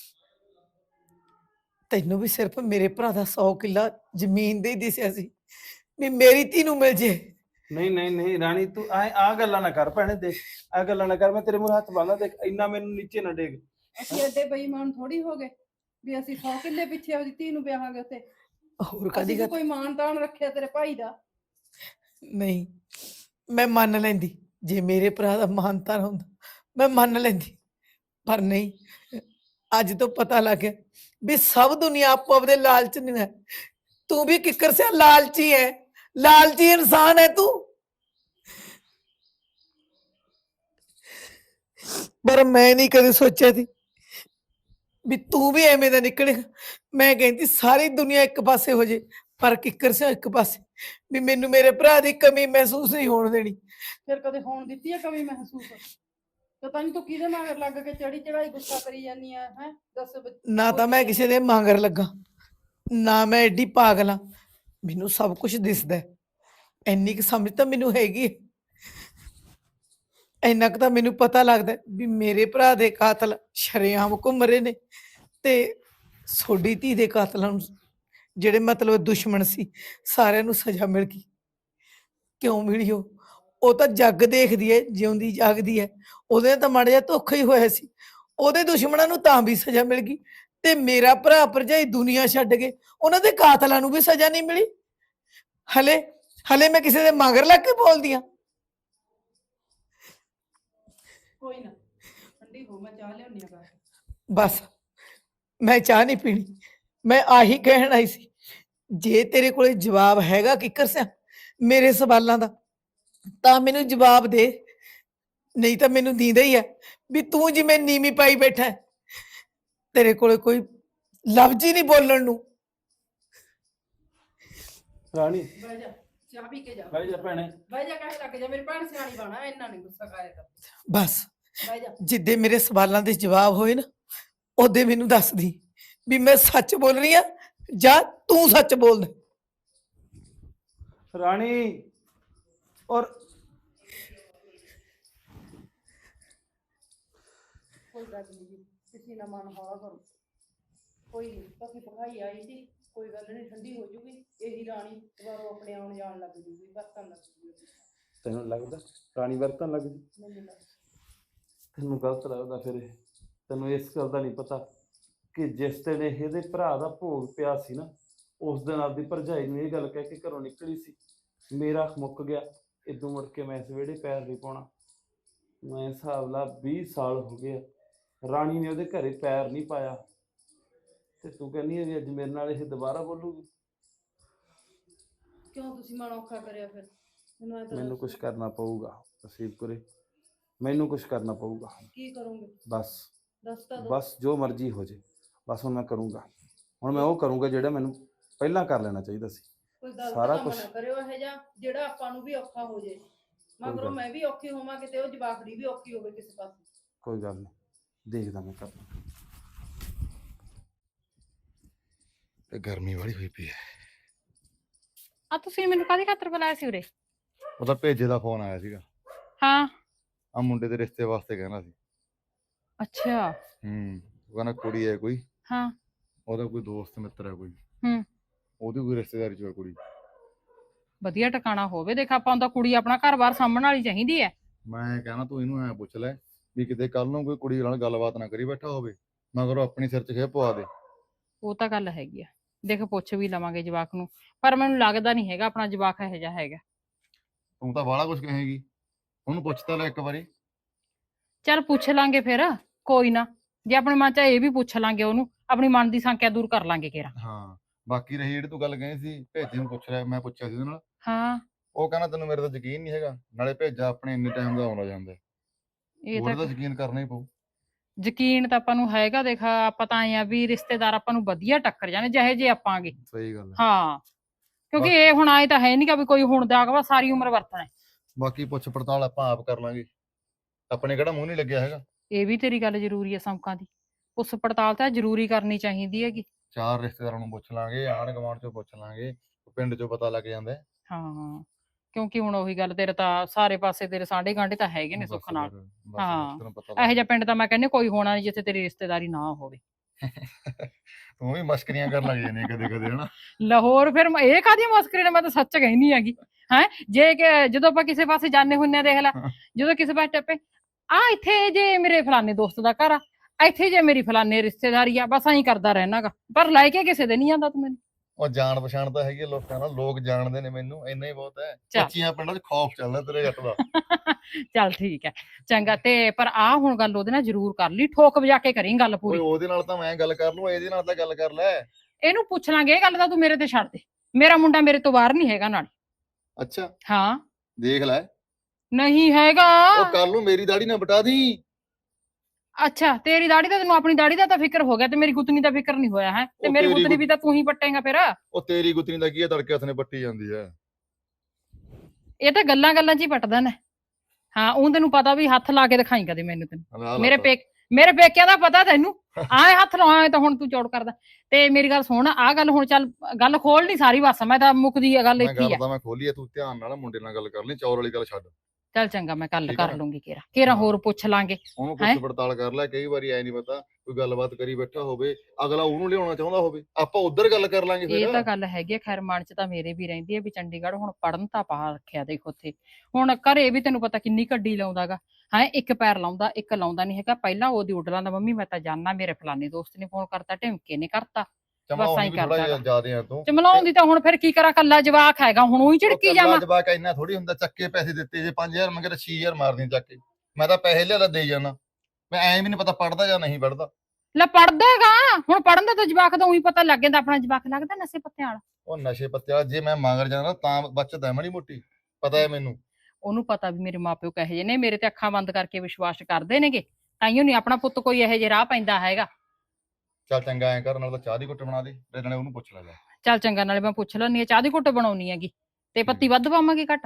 ਤੈਨੂੰ ਵੀ ਸਿਰਫ ਮੇਰੇ ਭਰਾ ਦਾ ਸੌ ਕਿੱਲਾ ਜ਼ਮੀਨ ਦੇ ਹੀ ਦਿਸਿਆ ਸੀ ਵੀ ਮੇਰੀ ਧੀ ਨੂੰ ਮਿਲ ਜੇ। ਨਹੀਂ ਨਹੀਂ ਨਹੀਂ ਰਾਣੀ, ਤੂੰ ਐ ਆ ਗੱਲਾਂ ਨਾ ਕਰ ਭੈਣੇ, ਦੇਖ ਆ ਗੱਲਾਂ ਨਾ ਕਰ, ਮੈਂ ਤੇਰੇ ਮੂਹਰੇ ਹੱਥ ਬੰਨ੍ਹਦਾ, ਦੇਖ ਇੰਨਾ ਮੈਨੂੰ ਨੀਚੇ ਨਾ ਡੇਗ। ਅਸੀਂ ਐਡੇ ਬੇਈਮਾਨ ਥੋੜੀ ਹੋ ਗਏ ਵੀ ਅਸੀਂ ਸੌ ਕਿੱਲੇ ਪਿੱਛੇ ਉਹਦੀ ਧੀ ਨੂੰ ਵਿਆਹਾਂਗੇ ਉੱਥੇ। ਹੋਰ ਅਸੀਂ ਕਦੀ ਵੀ ਕੋਈ ਮਾਣ ਤਾਣ ਰੱਖਿਆ ਤੇਰੇ ਭਾਈ ਦਾ? ਨਹੀਂ, ਮੈਂ ਮੰਨ ਲੈਂਦੀ ਜੇ ਮੇਰੇ ਭਰਾ ਦਾ ਮਾਨਤਾ ਹੁੰਦਾ, ਮੈਂ ਮੰਨ ਲੈਂਦੀ, ਪਰ ਨਹੀਂ। ਅੱਜ ਤੋਂ ਪਤਾ ਲੱਗ ਗਿਆ ਵੀ ਸਭ ਦੁਨੀਆ ਆਪੋ ਆਪਦੇ ਲਾਲਚ ਨਹੀਂ ਹੈ। ਤੂੰ ਵੀ ਕਿੱਕਰ ਸੇ ਲਾਲਚੀ ਹੈ, ਲਾਲਚੀ ਇਨਸਾਨ ਹੈ ਤੂੰ। ਪਰ ਮੈਂ ਨਹੀਂ ਕਦੇ ਸੋਚਿਆ ਸੀ ਵੀ ਤੂੰ ਵੀ ਐਵੇਂ ਦਾ ਨਿਕਲੇਗਾ। ਮੈਂ ਕਹਿੰਦੀ ਸਾਰੀ ਦੁਨੀਆ ਇੱਕ ਪਾਸੇ ਹੋ ਜੇ, ਪਰ ਕਿੱਕਰ ਸੇ ਇੱਕ ਪਾਸੇ, ਵੀ ਮੈਨੂੰ ਮੇਰੇ ਭਰਾ ਦੀ ਕਮੀ ਮਹਿਸੂਸ ਨਹੀਂ ਹੋਣ ਦੇਣੀ। ਫਿਰ ਕਦੇ ਹੋਣ ਦਿੱਤੀ ਹੈ ਕਮੀ ਮਹਿਸੂਸ? ਪਤਾ ਨਹੀਂ ਤੂੰ ਕਿਹਦੇ ਮਗਰ ਲੱਗ ਕੇ ਚੜੀ ਚੜਾਈ ਗੁੱਸਾ ਕਰੀ ਜਾਂਦੀ ਆ ਹੈ? ਦੱਸ ਬ- ਨਾ ਤਾਂ ਮੈਂ ਕਿਸੇ ਦੇ ਮਾਂਗਰ ਲੱਗਾ, ਨਾ ਮੈਂ ਐਡੀ ਪਾਗਲ ਆ, ਮੈਨੂੰ ਸਭ ਕੁਝ ਦਿਸਦਾ ਹੈ। ਇੰਨੀ ਕੁ ਸਮਝ ਤਾਂ ਮੈਨੂੰ ਹੈਗੀ ਹੈ। ਇੰਨਾ ਕੁ ਤਾਂ ਮੈਨੂੰ ਪਤਾ ਲੱਗਦਾ ਹੈ ਵੀ ਮੇਰੇ ਭਰਾ ਦੇ ਕਾਤਲ ਸ਼ਰੇਆਮ ਘੁੰਮ ਰਹੇ ਨੇ, ਤੇ ਸੋਡੀ ਧੀ ਦੇ ਕਾਤਲਾਂ ਨੂੰ, ਜਿਹੜੇ ਮਤਲਬ ਦੁਸ਼ਮਣ ਸੀ, ਸਾਰਿਆਂ ਨੂੰ ਸਜ਼ਾ ਮਿਲ ਗਈ। ਕਿਉਂ ਮਿਲੀ? ਉਹ ਉਹ ਤਾਂ ਜੱਗ ਦੇਖਦੀ ਹੈ, ਜਿਉਂਦੀ ਜਾਗਦੀ ਹੈ। ਉਹਦੇ ਤਾਂ ਮਾੜਾ ਜਿਹਾ ਧੋਖਾ ਹੀ ਹੋਇਆ ਸੀ, ਉਹਦੇ ਦੁਸ਼ਮਣਾਂ ਨੂੰ ਤਾਂ ਵੀ ਸਜ਼ਾ ਮਿਲ ਗਈ, ਤੇ ਮੇਰਾ ਭਰਾ ਭਰਜਾਈ ਦੁਨੀਆ ਛੱਡ ਗਏ, ਉਹਨਾਂ ਦੇ ਕਾਤਲਾਂ ਨੂੰ ਵੀ ਸਜ਼ਾ ਨਹੀਂ ਮਿਲੀ। ਹਲੇ ਹਲੇ ਮੈਂ ਕਿਸੇ ਦੇ ਮਗਰ ਲੱਗ ਕੇ ਬੋਲਦੀ ਆ? ਕੋਈ ਨਾ, ਠੰਡੀ ਹੋ, ਮੈਂ ਚਾਹ ਲਿਆਉਣੀ ਆ ਬਾਹਰ। ਬਸ, ਮੈਂ ਚਾਹ ਨਹੀਂ ਪੀਣੀ, ਮੈਂ ਆਹੀ ਕਹਿਣ ਆਈ ਸੀ। ਜੇ ਤੇਰੇ ਕੋਲੇ ਜਵਾਬ ਹੈਗਾ ਕਿੱਕਰ ਸਿਆ ਮੇਰੇ ਸਵਾਲਾਂ ਦਾ, ਤਾਂ ਮੈਨੂੰ ਜਵਾਬ ਦੇ, ਨਹੀਂ ਤਾਂ ਮੈਨੂੰ ਦੀਂਦਾ ਹੀ ਹੈ ਵੀ ਤੂੰ ਜਿਵੇਂ ਨੀਵੀਂ ਪਾਈ ਬੈਠਾ ਹੈ, ਤੇਰੇ ਕੋਲੇ ਕੋਈ ਲਫ਼ਜ਼ ਹੀ ਨਹੀਂ ਬੋਲਣ ਨੂੰ। ਰਾਣੀ ਬਹਿ ਜਾ, ਚਾਹ ਪੀ ਕੇ ਜਾ। ਬਹਿ ਜਾ ਭੈਣੇ। ਬਹਿ ਜਾ, ਕਹੇ ਲੱਗ ਜਾ, ਮੇਰੀ ਭੈਣ ਸਿਆਣੀ ਬਣਾ, ਇੰਨਾ ਨਹੀਂ ਗੁੱਸਾ ਕਰਿਆ ਕਰ। ਬਸ ਬਹਿ ਜਾ। ਜਿੱਦੇ ਮੇਰੇ ਸਵਾਲਾਂ ਦੇ ਜਵਾਬ ਹੋਏ ਨਾ, ਉਹਦੇ ਮੈਨੂੰ ਦੱਸਦੀ ਵੀ ਮੈਂ ਸੱਚ ਬੋਲ ਰਹੀ ਆ ਜਾਂ ਤੂੰ ਸੱਚ ਬੋਲਦਾ। ਰਾਣੀ ਔਰ ਕੋਈ ਗੱਲ ਨਹੀਂ ਜੀ, ਕਿਸੇ ਨਾ ਮਨ ਹੌਲਾ ਕਰੋ। ਕੋਈ ਨਹੀਂ, ਬਾਕੀ ਭਗਾਈ ਆਈ ਸੀ, ਕੋਈ ਗੱਲ ਨਹੀਂ, ਠੰਡੀ ਹੋ ਜੂਗੀ। ਇਹੀ ਰਾਣੀ ਦੁਬਾਰਾ ਆਪਣੇ ਆਉਣ ਜਾਣ ਲੱਗ ਜੂਗੀ, ਵਰਤਣ ਲੱਗ ਜੂਗੀ। ਤੈਨੂੰ ਲੱਗਦਾ ਰਾਣੀ ਵਰਤਨ ਲੱਗ ਗਈ? ਮੈਨੂੰ ਲੱਗਦਾ ਤੈਨੂੰ ਗਲਤ ਲੱਗਦਾ ਫਿਰ ਇਹ। ਤੈਨੂੰ ਇਸ ਗੱਲ ਦਾ ਨਹੀਂ ਪਤਾ ਕਿ ਜਿਸ ਦਿਨ ਇਹਦੇ ਭਰਾ ਦਾ ਭੋਗ ਪਿਆ ਸੀ ਨਾ, ਉਸ ਦਿਨ ਆਪਦੀ ਭਰਜਾਈ ਨੂੰ ਇਹ ਗੱਲ ਕਹਿ ਕੇ ਘਰੋਂ ਨਿਕਲੀ ਸੀ, ਮੇਰਾ ਮੁੱਕ ਗਿਆ, ਇਦੋਂ ਮੁੜ ਕੇ ਮੈਂ ਇਸ ਵਿਹੜੇ ਪੈਰ ਨਹੀਂ ਪਾਉਣਾ। ਮੈਂ ਹਿਸਾਬ ਲਾ ਵੀਹ ਸਾਲ ਹੋ ਗਏ ਆ, ਰਾਣੀ ਨੇ ਉਹਦੇ ਘਰੇ ਪੈਰ ਨਹੀਂ ਪਾਇਆ, ਤੇ ਤੂੰ ਕਹਿੰਦੀ ਹੈ ਵੀ ਅੱਜ ਮੇਰੇ ਨਾਲ ਇਹ ਦੁਬਾਰਾ ਬੋਲੂਗੀ? ਕਿਉਂ ਤੁਸੀਂ ਮਨ ਔਖਾ ਕਰਿਆ ਫਿਰ? ਮੈਨੂੰ ਐਂ ਤਾਂ ਮੈਨੂੰ ਦੱਸੋ, ਕੁਝ ਕਰਨਾ ਪਊਗਾ ਨਸੀਬ ਕੁਰੇ, ਮੈਨੂੰ ਕੁਝ ਕਰਨਾ ਪਊਗਾ। ਕੀ ਕਰੋਗੇ? ਬਸ ਦੱਸ ਤਾਂ ਦਿਓ। ਬਸ ਜੋ ਮਰਜ਼ੀ ਹੋ ਜੇ, ਬਸ ਹੁਣ ਮੈਂ ਕਰੂੰਗਾ। ਹੁਣ ਮੈਂ ਉਹ ਕਰੂੰਗਾ ਜਿਹੜਾ ਮੈਨੂੰ ਪਹਿਲਾਂ ਕਰ ਲੈਣਾ ਚਾਹੀਦਾ ਸੀ। ਕੋਈ ਗਲਤ ਸਾਰਾ ਕੰਮ ਕੁਛ- ਨਾ ਕਰਿਓ ਇਹ ਜਿਹਾ ਜਿਹੜਾ ਆਪਾਂ ਨੂੰ ਵੀ ਔਖਾ ਹੋ ਜੇ। ਮਗਰੋਂ ਗੱਲ- ਮੈਂ ਵੀ ਔਖੀ ਹੋਵਾਂ, ਕਿਤੇ ਉਹ ਜਵਾਕੜੀ ਵੀ ਔਖੀ ਹੋਵੇ ਕਿਸੇ ਪਾਸੇ। ਕੋਈ ਗੱਲ ਨਹੀਂ, ਦੇਖਦਾ ਮੈਂ ਕਰਦਾ। ਤੇ ਗਰਮੀ ਵਾਲੀ ਹੋਈ ਪਈ ਹੈ। ਆ ਤੁਸੀਂ ਮੈਨੂੰ ਕਾਹਦੀ ਖਾਤਰ ਬੁਲਾਇਆ ਸੀ ਉਰੇ? ਉਹਦਾ ਭੇਜੇ ਦਾ ਫੋਨ ਆਇਆ ਸੀਗਾ, ਹਾਂ। ਆ ਮੁੰਡੇ ਦੇ ਰਿਸ਼ਤੇ ਵਾਸਤੇ ਕਹਿਣਾ ਸੀ। ਅੱਛਾ। ਹੂੰ, ਉਹ ਕਹਿੰਦਾ ਕੁੜੀ ਹੈ ਕੋਈ, ਹਾਂ। ਉਹਦਾ ਕੋਈ ਦੋਸਤ ਮਿੱਤਰ ਹੈ ਕੋਈ, ਹੂੰ। ਉਹਦੀ ਕੋਈ ਰਿਸ਼ਤੇਦਾਰੀ ਚ ਹੈ ਕੁੜੀ। ਵਧੀਆ ਟਿਕਾਣਾ ਹੋਵੇ, ਦੇਖ ਆਪਾਂ ਨੂੰ ਤਾਂ ਕੁੜੀ ਆਪਣਾ ਘਰ-ਬਾਰ ਸਾਂਭਣ ਵਾਲੀ ਚਾਹੀਦੀ ਹੈ। ਮੈਂ ਕਹਿਣਾ ਤੂੰ ਇਹਨੂੰ ਐ ਪੁੱਛ ਲੈ ਵੀ ਕਿਤੇ ਕੱਲ ਨੂੰ ਕੋਈ ਕੁੜੀ ਨਾਲ ਗੱਲਬਾਤ ਨਾ ਕਰੀ ਬੈਠਾ ਹੋਵੇ, ਮਗਰ ਉਹ ਆਪਣੀ ਸਿਰ 'ਚ ਖੇ ਪਵਾ ਦੇ। ਉਹ ਤਾਂ ਗੱਲ ਹੈਗੀ ਆ, ਦੇਖ ਪੁੱਛ ਵੀ ਲਵਾਂਗੇ ਜਵਾਕ ਨੂੰ, ਪਰ ਮੈਨੂੰ ਲੱਗਦਾ ਨਹੀਂ ਹੈਗਾ ਆਪਣਾ ਜਵਾਕ ਇਹੋ ਜਿਹਾ ਹੈਗਾ। ਤੂੰ ਤਾਂ ਬਾਹਲਾ ਕੁਝ ਕਹੇਗੀ, ਉਹਨੂੰ ਪੁੱਛ ਤਾਂ ਲੈ ਇੱਕ ਵਾਰੀ। ਚੱਲ ਪੁੱਛ ਲਾਂਗੇ ਫਿਰ, ਕੋਈ ਨਾ, ਜੇ ਆਪਣੇ ਮਨ 'ਚ ਇਹ ਵੀ ਪੁੱਛ ਲਾਂਗੇ ਉਹਨੂੰ, ਆਪਣੀ ਮਨ ਦੀ ਸੰਕਿਆ ਦੂਰ ਕਰ ਲਾਂਗੇ ਕੇਰਾ। ਹਾਂ, ਬਾਕੀ ਰਹੀ ਜਿਹੜੀ ਤੂੰ ਗੱਲ ਕਹੀ ਸੀ ਭੇਜੇ ਨੂੰ ਪੁੱਛ ਰਿਹਾ, ਮੈਂ ਪੁੱਛਿਆ ਸੀ ਉਹਦੇ ਨਾਲ, ਹਾਂ। ਉਹ ਕਹਿੰਦਾ ਤੈਨੂੰ ਮੇਰੇ ਤੇ ਯਕੀਨ ਨਹੀਂ ਹੈਗਾ, ਨਾਲੇ ਭੇਜਾ ਆਪਣੇ ਇੰਨੇ ਟਾਈਮ ਦਾ ਆਉਂਦਾ ਜਾਂਦਾ, ਇਹ ਉਹਦਾ ਤਾਂ ਤਾਂ ਯਕੀਨ ਕਰਨਾ ਹੀ ਪਊ। ਯਕੀਨ ਤਾਂ ਆਪਾਂ ਨੂੰ ਹੈਗਾ, ਦੇਖ ਆਪਾਂ ਤਾਂ ਆਏ ਆ ਵੀ ਰਿਸ਼ਤੇਦਾਰ ਆਪਾਂ ਨੂੰ ਵਧੀਆ ਟੱਕਰ ਜਾਣੇ ਜਿਹੇ ਜੇ ਆਪਾਂਗੇ। ਸਹੀ ਗੱਲ ਹੈ। ਹਾਂ, ਕਿਉਂਕਿ ਇਹ ਹੁਣ ਆਏ ਤਾਂ ਹੈ ਨਹੀਂ ਕਿ ਵੀ ਕੋਈ ਹੁਣ ਦਾ ਅਗਵਾ ਸਾਰੀ ਉਮਰ ਵਰਤਣਾ ਹੈ। ਬਾਕੀ ਪੁੱਛ ਪੜਤਾਲ ਆਪਾਂ ਆਪ ਕਰ ਲਾਂਗੇ, ਆਪਣੇ ਕਿਹੜਾ ਮੂੰਹ ਨਹੀਂ ਲੱਗਿਆ ਹੈਗਾ। ਇਹ ਵੀ ਤੇਰੀ ਗੱਲ ਜ਼ਰੂਰੀ ਹੈ ਸਮਕਾਂ ਦੀ, ਉਸ ਪੜਤਾਲ ਤਾਂ ਜ਼ਰੂਰੀ ਕਰਨੀ ਚਾਹੀਦੀ ਹੈਗੀ। ਚਾਰ ਰਿਸ਼ਤੇਦਾਰਾਂ ਨੂੰ ਪੁੱਛ ਲਾਂਗੇ, ਆਂਢ ਗੁਆਂਢ ਚੋਂ ਪੁੱਛ ਲਾਂਗੇ, ਪਿੰਡ ਚੋਂ ਪਤਾ ਲੱਗ ਜਾਂਦਾ ਹੈ। ਹਾਂ, ਕਿਉਂਕਿ ਹੁਣ ਉਹੀ ਗੱਲ, ਤੇਰੇ ਤਾਂ ਸਾਰੇ ਪਾਸੇ ਤੇਰੇ ਸਾਂਢੇ ਗਾਂਢੇ ਤਾਂ ਹੈਗੇ ਨੇ ਬਸ ਸੁੱਖ ਨਾਲ। ਫਿਰ, ਬਸ ਹਾਂ, ਤੈਨੂੰ ਪਤਾ ਇਹੋ ਲੱਗ ਜਿਹਾ ਪਿੰਡ ਤਾਂ ਮੈਂ ਕਹਿੰਦੀ ਕੋਈ ਹੋਣਾ ਨਹੀਂ ਜਿੱਥੇ ਤੇਰੀ ਰਿਸ਼ਤੇਦਾਰੀ ਨਾ ਹੋਵੇ। ਤੂੰ ਵੀ ਮਸਕਰੀਆਂ ਕਰਨ ਲੱਗ ਜਾਂਦੀ ਕਦੇ ਕਦੇ ਹਨਾ। ਲਾਹੌਰ ਫਿਰ ਮੈਂ- ਇਹ ਕਾਹਦੀ ਮਸਕਰੀ ਨੇ, ਮੈਂ ਤਾਂ ਸੱਚ ਕਹਿੰਦੀ ਹੈਗੀ ਹੈ। ਜੇ ਕਿ ਜਦੋਂ ਆਪਾਂ ਕਿਸੇ ਪਾਸੇ ਜਾਂਦੇ ਹੁੰਨੇ ਆ, ਦੇਖ ਲੈ, ਜਦੋਂ ਕਿਸੇ ਪਾਸੇ ਟੱਪੇ, ਆ ਇੱਥੇ ਜੇ ਮੇਰੇ ਫਲਾਣੇ ਦੋਸਤ ਦਾ ਘਰ ਆ, ਇੱਥੇ ਜੇ ਮੇਰੀ ਫਲਾਣੇ ਰਿਸ਼ਤੇਦਾਰੀ ਆ, ਬਸ ਐਂ ਕਰਦਾ ਰਹਿਣਾਗਾ, ਪਰ ਲੈ ਕੇ ਕਿਸੇ ਦੇ ਨਹੀਂ ਜਾਂਦਾ ਤੂੰ ਮੈਨੂੰ। ਉਹ ਜਾਣ ਪਛਾਣ ਤਾਂ ਹੈਗੀ ਆ ਲੋਕਾਂ ਨਾਲ, ਲੋਕ ਜਾਣਦੇ ਨੇ ਮੈਨੂੰ, ਇੰਨਾ ਹੀ ਬਹੁਤ ਹੈ। ਚੱਲ। ਕੱਚੀਆਂ ਪਿੰਡਾਂ 'ਚ ਖੌਫ ਚੱਲਦਾ ਤੇਰੇ ਜੱਟ ਦਾ। ਚੱਲ ਠੀਕ ਹੈ, ਚੰਗਾ। ਤੇ ਪਰ ਆ ਹੁਣ ਗੱਲ ਉਹਦੇ ਨਾਲ ਜ਼ਰੂਰ ਕਰ ਲਈ, ਠੋਕ ਵਜਾ ਕੇ ਕਰੀ ਗੱਲ ਓਏ ਪੂਰੀ। ਉਹਦੇ ਨਾਲ ਤਾਂ ਮੈਂ ਗੱਲ ਕਰ ਲੂੰ, ਇਹਦੇ ਨਾਲ ਤਾਂ ਗੱਲ ਕਰ ਲੈ। ਇਹਨੂੰ ਪੁੱਛ ਲਾਂਗੇ, ਇਹ ਗੱਲ ਤਾਂ ਤੂੰ ਮੇਰੇ ਤੇ ਛੱਡ ਦੇ, ਮੇਰਾ ਮੁੰਡਾ ਮੇਰੇ ਤੋਂ ਬਾਹਰ ਨਹੀਂ ਹੈਗਾ ਨਾਲ। ਅੱਛਾ, ਹਾਂ, ਦੇਖ ਲੈ, ਨਹੀਂ ਹੈਗਾ। ਉਹ ਕਰ ਲੂ, ਮੇਰੀ ਦਾੜੀ ਨਾ ਬਟਾ ਦੀ। ਅੱਛਾ, ਤੇਰੀ ਦਾੜੀ ਦਾ ਤੈਨੂੰ ਆਪਣੀ ਦਾੜੀ ਦਾ ਤਾਂ ਫਿਕਰ ਹੋ ਗਿਆ, ਤੇ ਮੇਰੀ ਗੁੱਤਨੀ ਦਾ ਫਿਕਰ ਨਹੀਂ ਹੋਇਆ ਹੈ। ਤੇ ਉਹ ਮੇਰੀ ਤੇਰੀ ਗੁੱਤਨੀ ਗੁੱਤ- ਵੀ ਤਾਂ ਤੂੰ ਹੀ ਪੱਟੇਗਾ ਫਿਰ। ਉਹ ਤੇਰੀ ਗੁੱਤਨੀ ਦਾ ਕੀ ਹੈ, ਤੜਕੇ ਹੱਥ ਨੇ ਪੱਟੀ ਜਾਂਦੀ ਹੈ। ਇਹ ਤਾਂ ਗੱਲਾਂ ਗੱਲਾਂ 'ਚ ਹੀ ਪੱਟਦਾ ਨੇ। ਹਾਂ, ਉਹ ਤੈਨੂੰ ਪਤਾ ਵੀ ਹੱਥ ਲਾ ਕੇ ਦਿਖਾਈ ਕਦੇ ਮੈਨੂੰ, ਤੈਨੂੰ ਆਹ ਮੇਰੇ ਲੱਤ। ਪੇਕ ਮੇਰੇ ਪੇਕਿਆਂ ਦਾ ਪਤਾ ਤੈਨੂੰ, ਆਏ ਹੱਥ ਲਾਇਆ ਤਾਂ ਹੁਣ ਤੂੰ ਚੌੜ ਕਰਦਾ। ਤੇ ਮੇਰੀ ਗੱਲ ਸੁਣ, ਆਹ ਗੱਲ ਹੁਣ ਚੱਲ, ਗੱਲ ਖੋਲ ਨਹੀਂ ਸਾਰੀ, ਬਸ ਮੈਂ ਤਾਂ ਮੁੱਕਦੀ ਆ ਗੱਲ ਮੈਂ ਇੱਥੇ ਹੀ ਗੱਲ ਆ। ਤਾਂ ਮੈਂ ਖੋਲੀ ਆ, ਤੂੰ ਧਿਆਨ ਨਾਲ ਮੁੰਡੇ ਨਾਲ ਗੱਲ ਕਰ ਲਈ, ਚੌਰ ਵਾਲੀ ਗੱਲ ਛੱਡ। ਚੱਲ ਚੰਗਾ, ਮੈਂ ਗੱਲ ਠੀਕ ਆ ਕਰ ਨਾ? ਲੂੰਗੀ ਕੇਰਾ ਕੇਰਾ, ਹੋਰ ਪੁੱਛ ਲਾਂਗੇ। ਉਹਨੂੰ ਹੈਂ? ਪੁੱਛ ਪੜਤਾਲ ਕਰ ਲੈ, ਕਈ ਵਾਰੀ ਐ ਨਹੀਂ ਪਤਾ ਕੋਈ ਗੱਲਬਾਤ ਕਰੀ ਬੈਠਾ ਹੋਵੇ, ਅਗਲਾ ਉਹਨੂੰ ਲਿਆਉਣਾ ਚਾਹੁੰਦਾ ਹੋਵੇ, ਆਪਾਂ ਉਧਰ ਗੱਲ ਕਰ ਲਾਂਗੇ ਇਹ ਤਾਂ ਫਿਰ। ਗੱਲ ਹੈਗੀ ਆ, ਖੈਰ ਮਨ 'ਚ ਤਾਂ ਮੇਰੇ ਵੀ ਰਹਿੰਦੀ ਹੈ ਵੀ ਚੰਡੀਗੜ੍ਹ ਹੁਣ ਪੜਨ ਤਾਂ ਪਾ ਰੱਖਿਆ, ਦੇਖ ਉੱਥੇ ਹੁਣ ਘਰੇ ਵੀ ਤੈਨੂੰ ਪਤਾ ਕਿੰਨੀ ਗੱਡੀ ਲਾਉਂਦਾਗਾ ਹੈ, ਇੱਕ ਪੈਰ ਲਾਉਂਦਾ ਇੱਕ ਲਾਉਂਦਾ ਨਹੀਂ ਹੈਗਾ। ਪਹਿਲਾਂ ਉਹਦੀ ਉੱਡ ਲਾਂਦਾ, ਮੰਮੀ ਮੈਂ ਤਾਂ ਜਾਣਾ, ਮੇਰੇ ਫਲਾਣੇ ਦੋਸਤ ਨੇ ਫੋਨ ਕਰਤਾ, ਢਿਮਕੇ ਨੇ ਕਰਤਾ, ਚਮਲਾਉਣ ਬਸ ਐਂ ਵੀ ਥੋੜਾ ਕਰਦਾ ਜਿਹਾ ਗਾ। ਜ਼ਿਆਦੇ ਆ ਤੂੰ। ਚਮਲਾਉਣ ਦੀ ਤਾਂ ਹੁਣ ਫਿਰ ਕੀ ਕਰਾਂ, ਕੱਲਾ ਜਵਾਕ ਹੈਗਾ, ਹੁਣ ਉਹੀ ਝਿੜਕੀ ਜਾਵਾਂ। ਜਵਾਕ ਇੰਨਾ ਥੋੜੀ ਹੁੰਦਾ, ਚੱਕੇ ਪੈਸੇ ਦਿੱਤੇ, ਜੇ ਪੰਜ ਹਜ਼ਾਰ ਮੰਗੇ ਤਾਂ ਛੇ ਹਜ਼ਾਰ ਮਾਰਦੀ ਚੱਕ ਕੇ। ਮੈਂ ਤਾਂ ਪੈਸੇ ਲਿਆ ਦੇ ਜਾਣਾ, ਮੈਂ ਐਂ ਵੀ ਨਹੀਂ ਪਤਾ ਪੜਦਾ ਜਾਂ ਨਹੀਂ ਪੜਦਾ। ਲੈ ਪੜਦਾ ਹੈਗਾ, ਹੁਣ ਪੜਨ ਦਾ ਤਾਂ ਜਵਾਕ ਦਾ ਉਹੀ ਪਤਾ ਲੱਗ ਜਾਂਦਾ, ਆਪਣਾ ਜਵਾਕ ਲੱਗਦਾ ਨਸ਼ੇ ਪੱਤਿਆਂ ਵਾਲਾ। ਉਹ ਨਸ਼ੇ ਪੱਤੇ ਵਾਲਾ ਜੇ ਮੈਂ ਮਗਰ ਜਾਣਾ ਤਾਂ ਬਚਦਾ ਮਾੜੀ ਮੋਟੀ, ਪਤਾ ਹੈ ਮੈਨੂੰ। ਉਹਨੂੰ ਪਤਾ ਵੀ ਮੇਰੇ ਮਾਪਿਓ ਕਹੇ ਜਿਹੇ ਨੇ, ਮੇਰੇ ਤੇ ਅੱਖਾਂ ਬੰਦ ਕਰਕੇ ਵਿਸ਼ਵਾਸ ਕਰਦੇ ਨੇਗੇ, ਤਾਈਓ ਨਹੀਂ ਆਪਣਾ ਪੁੱਤ ਕੋਈ ਇਹੋ ਜਿਹੇ ਰਾਹ ਪੈਂਦਾ ਹੈਗਾ। ਚੱਲ ਚੰਗਾ, ਐਂ ਕਰ, ਨਾਲ ਤਾਂ ਚਾਹ ਦੀ ਘੁੱਟ ਬਣਾ ਦੇ, ਤੇ ਨਾਲੇ ਉਹਨੂੰ ਪੁੱਛ ਲੈ ਜਾ। ਚੱਲ ਚੰਗਾ, ਨਾਲੇ ਮੈਂ ਪੁੱਛ ਲੈਣੀ ਆ, ਚਾਹ ਦੀ ਘੁੱਟ ਬਣਾਉਣੀ ਹੈਗੀ, ਤੇ ਪੱਤੀ ਵੱਧ ਪਾਵਾਂਗੇ ਘੱਟ?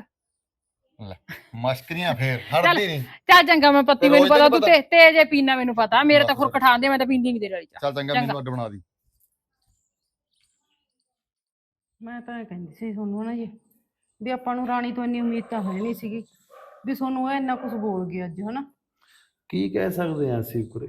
ਮਸ਼ਕਰੀਆਂ ਫੇਰ ਹਟਦੀ ਨਹੀਂ। ਚੱਲ ਚੰਗਾ, ਮੈਂ ਪੱਤੀ ਤੇ ਮੈਨੂੰ ਰੋਜ਼ ਪਤਾ, ਤੈਨੂੰ ਤੂੰ ਤੇ ਤੇ ਜੇ ਪੀਣਾ ਮੈਨੂੰ ਪਤਾ, ਮੇਰੇ ਤਾਂ ਬਸ। ਖੁਰ ਖਟਾਉਂਦੇ, ਮੈਂ ਤਾਂ ਪੀਂਦੀ ਨਹੀਂ ਤੇਰੇ ਵਾਲੀ ਚਾਹ। ਚੱਲ ਚੰਗਾ, ਚੰਗਾ। ਮੈਨੂੰ ਅੱਡ ਬਣਾ ਦੀ। ਮੈਂ ਤਾਂ ਇਹ ਕਹਿੰਦੀ ਸੀ ਤੁਹਾਨੂੰ ਨਾ ਜੀ, ਵੀ ਆਪਾਂ ਨੂੰ ਰਾਣੀ ਤੋਂ ਇੰਨੀ ਉਮੀਦ ਤਾਂ ਹੈ ਨਹੀਂ ਸੀਗੀ ਵੀ ਤੁਹਾਨੂੰ ਇਹ ਇੰਨਾ ਕੁਝ ਬੋਲ ਗਈ ਅੱਜ, ਹਨਾ। ਕੀ ਕਹਿ ਸਕਦੇ ਆ ਅਸੀਂ ਕੁਰੇ,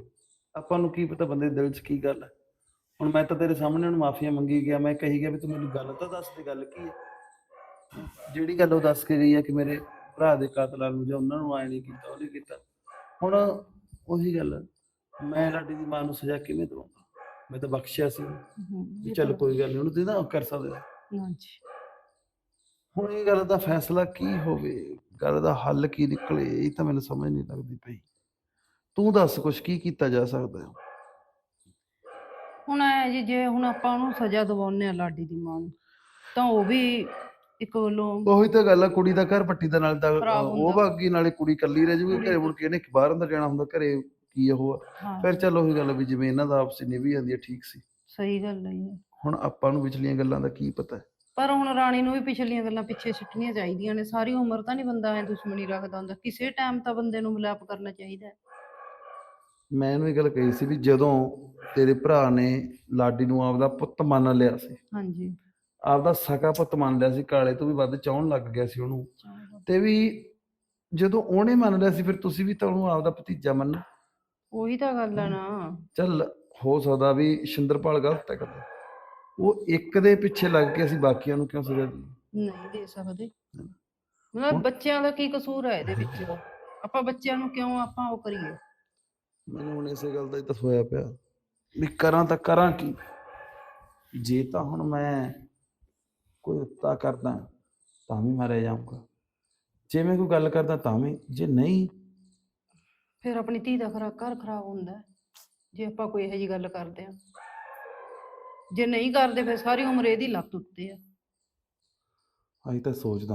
ਆਪਾਂ ਨੂੰ ਕੀ ਪਤਾ ਬੰਦੇ ਦੇ ਦਿਲ 'ਚ ਕੀ ਗੱਲ ਹੈ। ਹੁਣ ਮੈਂ ਤਾਂ ਤੇਰੇ ਸਾਹਮਣੇ ਉਹਨੂੰ ਮਾਫੀਆ ਮੰਗੀ ਗਿਆ, ਮੈਂ ਕਹੀ ਗਿਆ ਵੀ ਤੂੰ ਮੈਨੂੰ ਗੱਲ ਤਾਂ ਦੱਸ ਦੇ, ਗੱਲ ਕੀ ਹੈ। ਜਿਹੜੀ ਗੱਲ ਉਹ ਦੱਸ ਕੇ ਗਈ ਹੈ ਕਿ ਮੇਰੇ ਭਰਾ ਦੇ ਕਾਤਲਾਂ ਨੂੰ ਜਾਂ ਉਹਨਾਂ ਨੂੰ ਆਏ ਨਹੀਂ ਕੀਤਾ, ਉਹਨੇ ਕੀਤਾ। ਹੁਣ ਉਹੀ ਗੱਲ, ਮੈਂ ਲਾਡੀ ਦੀ ਮਾਂ ਨੂੰ ਸਜ਼ਾ ਕਿਵੇਂ ਦਵਾਂਗਾ? ਮੈਂ ਤਾਂ ਬਖਸ਼ਿਆ ਸੀ ਉਹਨੂੰ, ਵੀ ਚੱਲ ਕੋਈ ਗੱਲ ਨਹੀਂ, ਉਹਨੂੰ ਤੇ ਨਾ ਕਰ ਸਕਦੇ। ਹਾਂਜੀ ਹੁਣ ਇਹ ਗੱਲ ਦਾ ਫੈਸਲਾ ਕੀ ਹੋਵੇ, ਗੱਲ ਦਾ ਹੱਲ ਕੀ ਨਿਕਲੇ, ਇਹ ਤਾਂ ਮੈਨੂੰ ਸਮਝ ਨਹੀਂ ਲੱਗਦੀ ਪਈ। ਤੂੰ ਦੱਸ ਕੁਛ ਕੀ ਕੀਤਾ ਜਾ ਸਕਦਾ ਹੈ? ਹੁਣ ਐ ਜੀ, ਜੇ ਹੁਣ ਆਪਾਂ ਉਹਨੂੰ ਸਜ਼ਾ ਦਿਵਾਉਂਦੇ ਆ ਲਾਡੀ ਦੀ ਮਾਂ ਨੂੰ, ਤਾਂ ਉਹ ਵੀ ਇੱਕ ਵੱਲੋਂ ਉਹੀ ਤਾਂ ਗੱਲ ਆ, ਕੁੜੀ ਦਾ ਘਰ ਪੱਟੀ ਦਾ, ਨਾਲ ਤਾਂ ਖਰਾਬ ਉਹ ਹੁੰਦਾ। ਬਾਗੀ ਨਾਲੇ ਕੁੜੀ ਇਕੱਲੀ ਰਹਿ ਜੂਗੀ ਕੁੜੀ ਘਰੇ, ਮੁੜ ਕੇ ਇਹਨੇ ਬਾਹਰ ਅੰਦਰ ਜਾਣਾ ਹੁੰਦਾ, ਘਰੇ ਕੀ ਉਹ ਆ। ਹਾਂ ਫਿਰ ਚੱਲ ਉਹੀ ਗੱਲ ਵੀ ਜਿਵੇਂ ਇਹਨਾਂ ਦਾ ਆਪਸੀ ਨਿਭੀ ਜਾਂਦੀ ਹੈ ਠੀਕ ਸੀ। ਸਹੀ ਗੱਲ ਹੈ ਜੀ। ਹੁਣ ਆਪਾਂ ਨੂੰ ਵਿਚਲੀਆਂ ਗੱਲਾਂ ਦਾ ਕੀ ਪਤਾ। ਪਰ ਹੁਣ ਰਾਣੀ ਨੂੰ ਵੀ ਪਿਛਲੀਆਂ ਗੱਲਾਂ ਪਿੱਛੇ ਸਿੱਟਣੀਆਂ ਚਾਹੀਦੀਆਂ ਨੇ। ਸਾਰੀ ਉਮਰ ਤਾਂ ਨਹੀਂ ਬੰਦਾ ਐ ਦੁਸ਼ਮਣੀ ਰੱਖਦਾ ਹੁੰਦਾ, ਕਿਸੇ ਟਾਈਮ ਤਾਂ ਬੰਦੇ ਨੂੰ ਮਿਲਾਪ ਕਰਨਾ ਚਾਹੀਦਾ ਹੈ। ਮੈਂ ਇਹਨੂੰ ਇਹ ਗੱਲ ਕਹੀ ਸੀ ਵੀ ਜਦੋਂ ਤੇਰੇ ਭਰਾ ਨੇ ਲਾਡੀ ਨੂੰ ਆਪਦਾ ਪੁੱਤ ਮੰਨ ਲਿਆ ਸੀ, ਹਾਂਜੀ ਆਪਦਾ ਸਕਾ ਪੁੱਤ ਮੰਨ ਲਿਆ ਸੀ, ਕਾਲੇ ਤੋਂ ਵੀ ਵੱਧ ਚਾਹੁਣ ਲੱਗ ਗਿਆ ਸੀ ਉਹਨੂੰ, ਤੇ ਵੀ ਜਦੋਂ ਉਹਨੇ ਮੰਨ ਲਿਆ ਸੀ ਫਿਰ ਤੁਸੀਂ ਵੀ ਤਾਂ ਉਹਨੂੰ ਆਪਦਾ ਭਤੀਜਾ ਮੰਨੋ। ਉਹੀ ਤਾਂ ਗੱਲ ਹੈ ਨਾ। ਚੱਲ ਹੋ ਸਕਦਾ ਵੀ ਸ਼ਿੰਦਰਪਾਲ ਗਲਤ ਹੈ ਕਦੇ, ਉਹ ਇੱਕ ਦੇ ਪਿੱਛੇ ਲੱਗ ਕੇ ਅਸੀਂ ਬਾਕੀਆਂ ਨੂੰ ਕਿਉਂ ਸਜ਼ਾ ਦਈਏ? ਨਹੀਂ ਦੇ ਸਕਦੇ। ਮਤਲਬ ਬੱਚਿਆਂ ਦਾ ਕੀ ਕਸੂਰ ਹੈ ਇਹਦੇ ਵਿੱਚ? ਆਪਾਂ ਬੱਚਿਆਂ ਨੂੰ ਕਿਉਂ ਆਪਾਂ ਉਹ ਕਰੀਏ? ਮੈਨੂੰ ਹੁਣ ਇਸੇ ਗੱਲ ਦਾ ਹੀ ਤਾਂ ਹੋਇਆ ਪਿਆ ਵੀ ਕਰਾਂ ਤਾਂ ਕਰਾਂ ਕੀ। ਜੇ ਤਾਂ ਹੁਣ ਮੈਂ ਕੋਈ ਉੱਤਾ ਕਰਦਾ ਤਾਂ ਵੀ ਮਾਰਿਆ ਜਾਊਂਗਾ, ਜੇ ਮੈਂ ਕੋਈ ਗੱਲ ਕਰਦਾ ਤਾਂ ਵੀ, ਜੇ ਨਹੀਂ ਫਿਰ ਆਪਣੀ ਧੀ ਦਾ ਖਰਾ ਘਰ ਖਰਾਬ ਹੁੰਦਾ ਹੈ, ਜੇ ਆਪਾਂ ਕੋਈ ਇਹੋ ਜਿਹੀ ਗੱਲ ਕਰਦੇ ਆ। ਜੇ ਨਹੀਂ ਕਰਦੇ ਫਿਰ ਸਾਰੀ ਉਮਰ ਇਹਦੀ ਲੱਤ ਉੱਤੇ ਆ। ਅਸੀਂ ਤਾਂ ਸੋਚਦਾ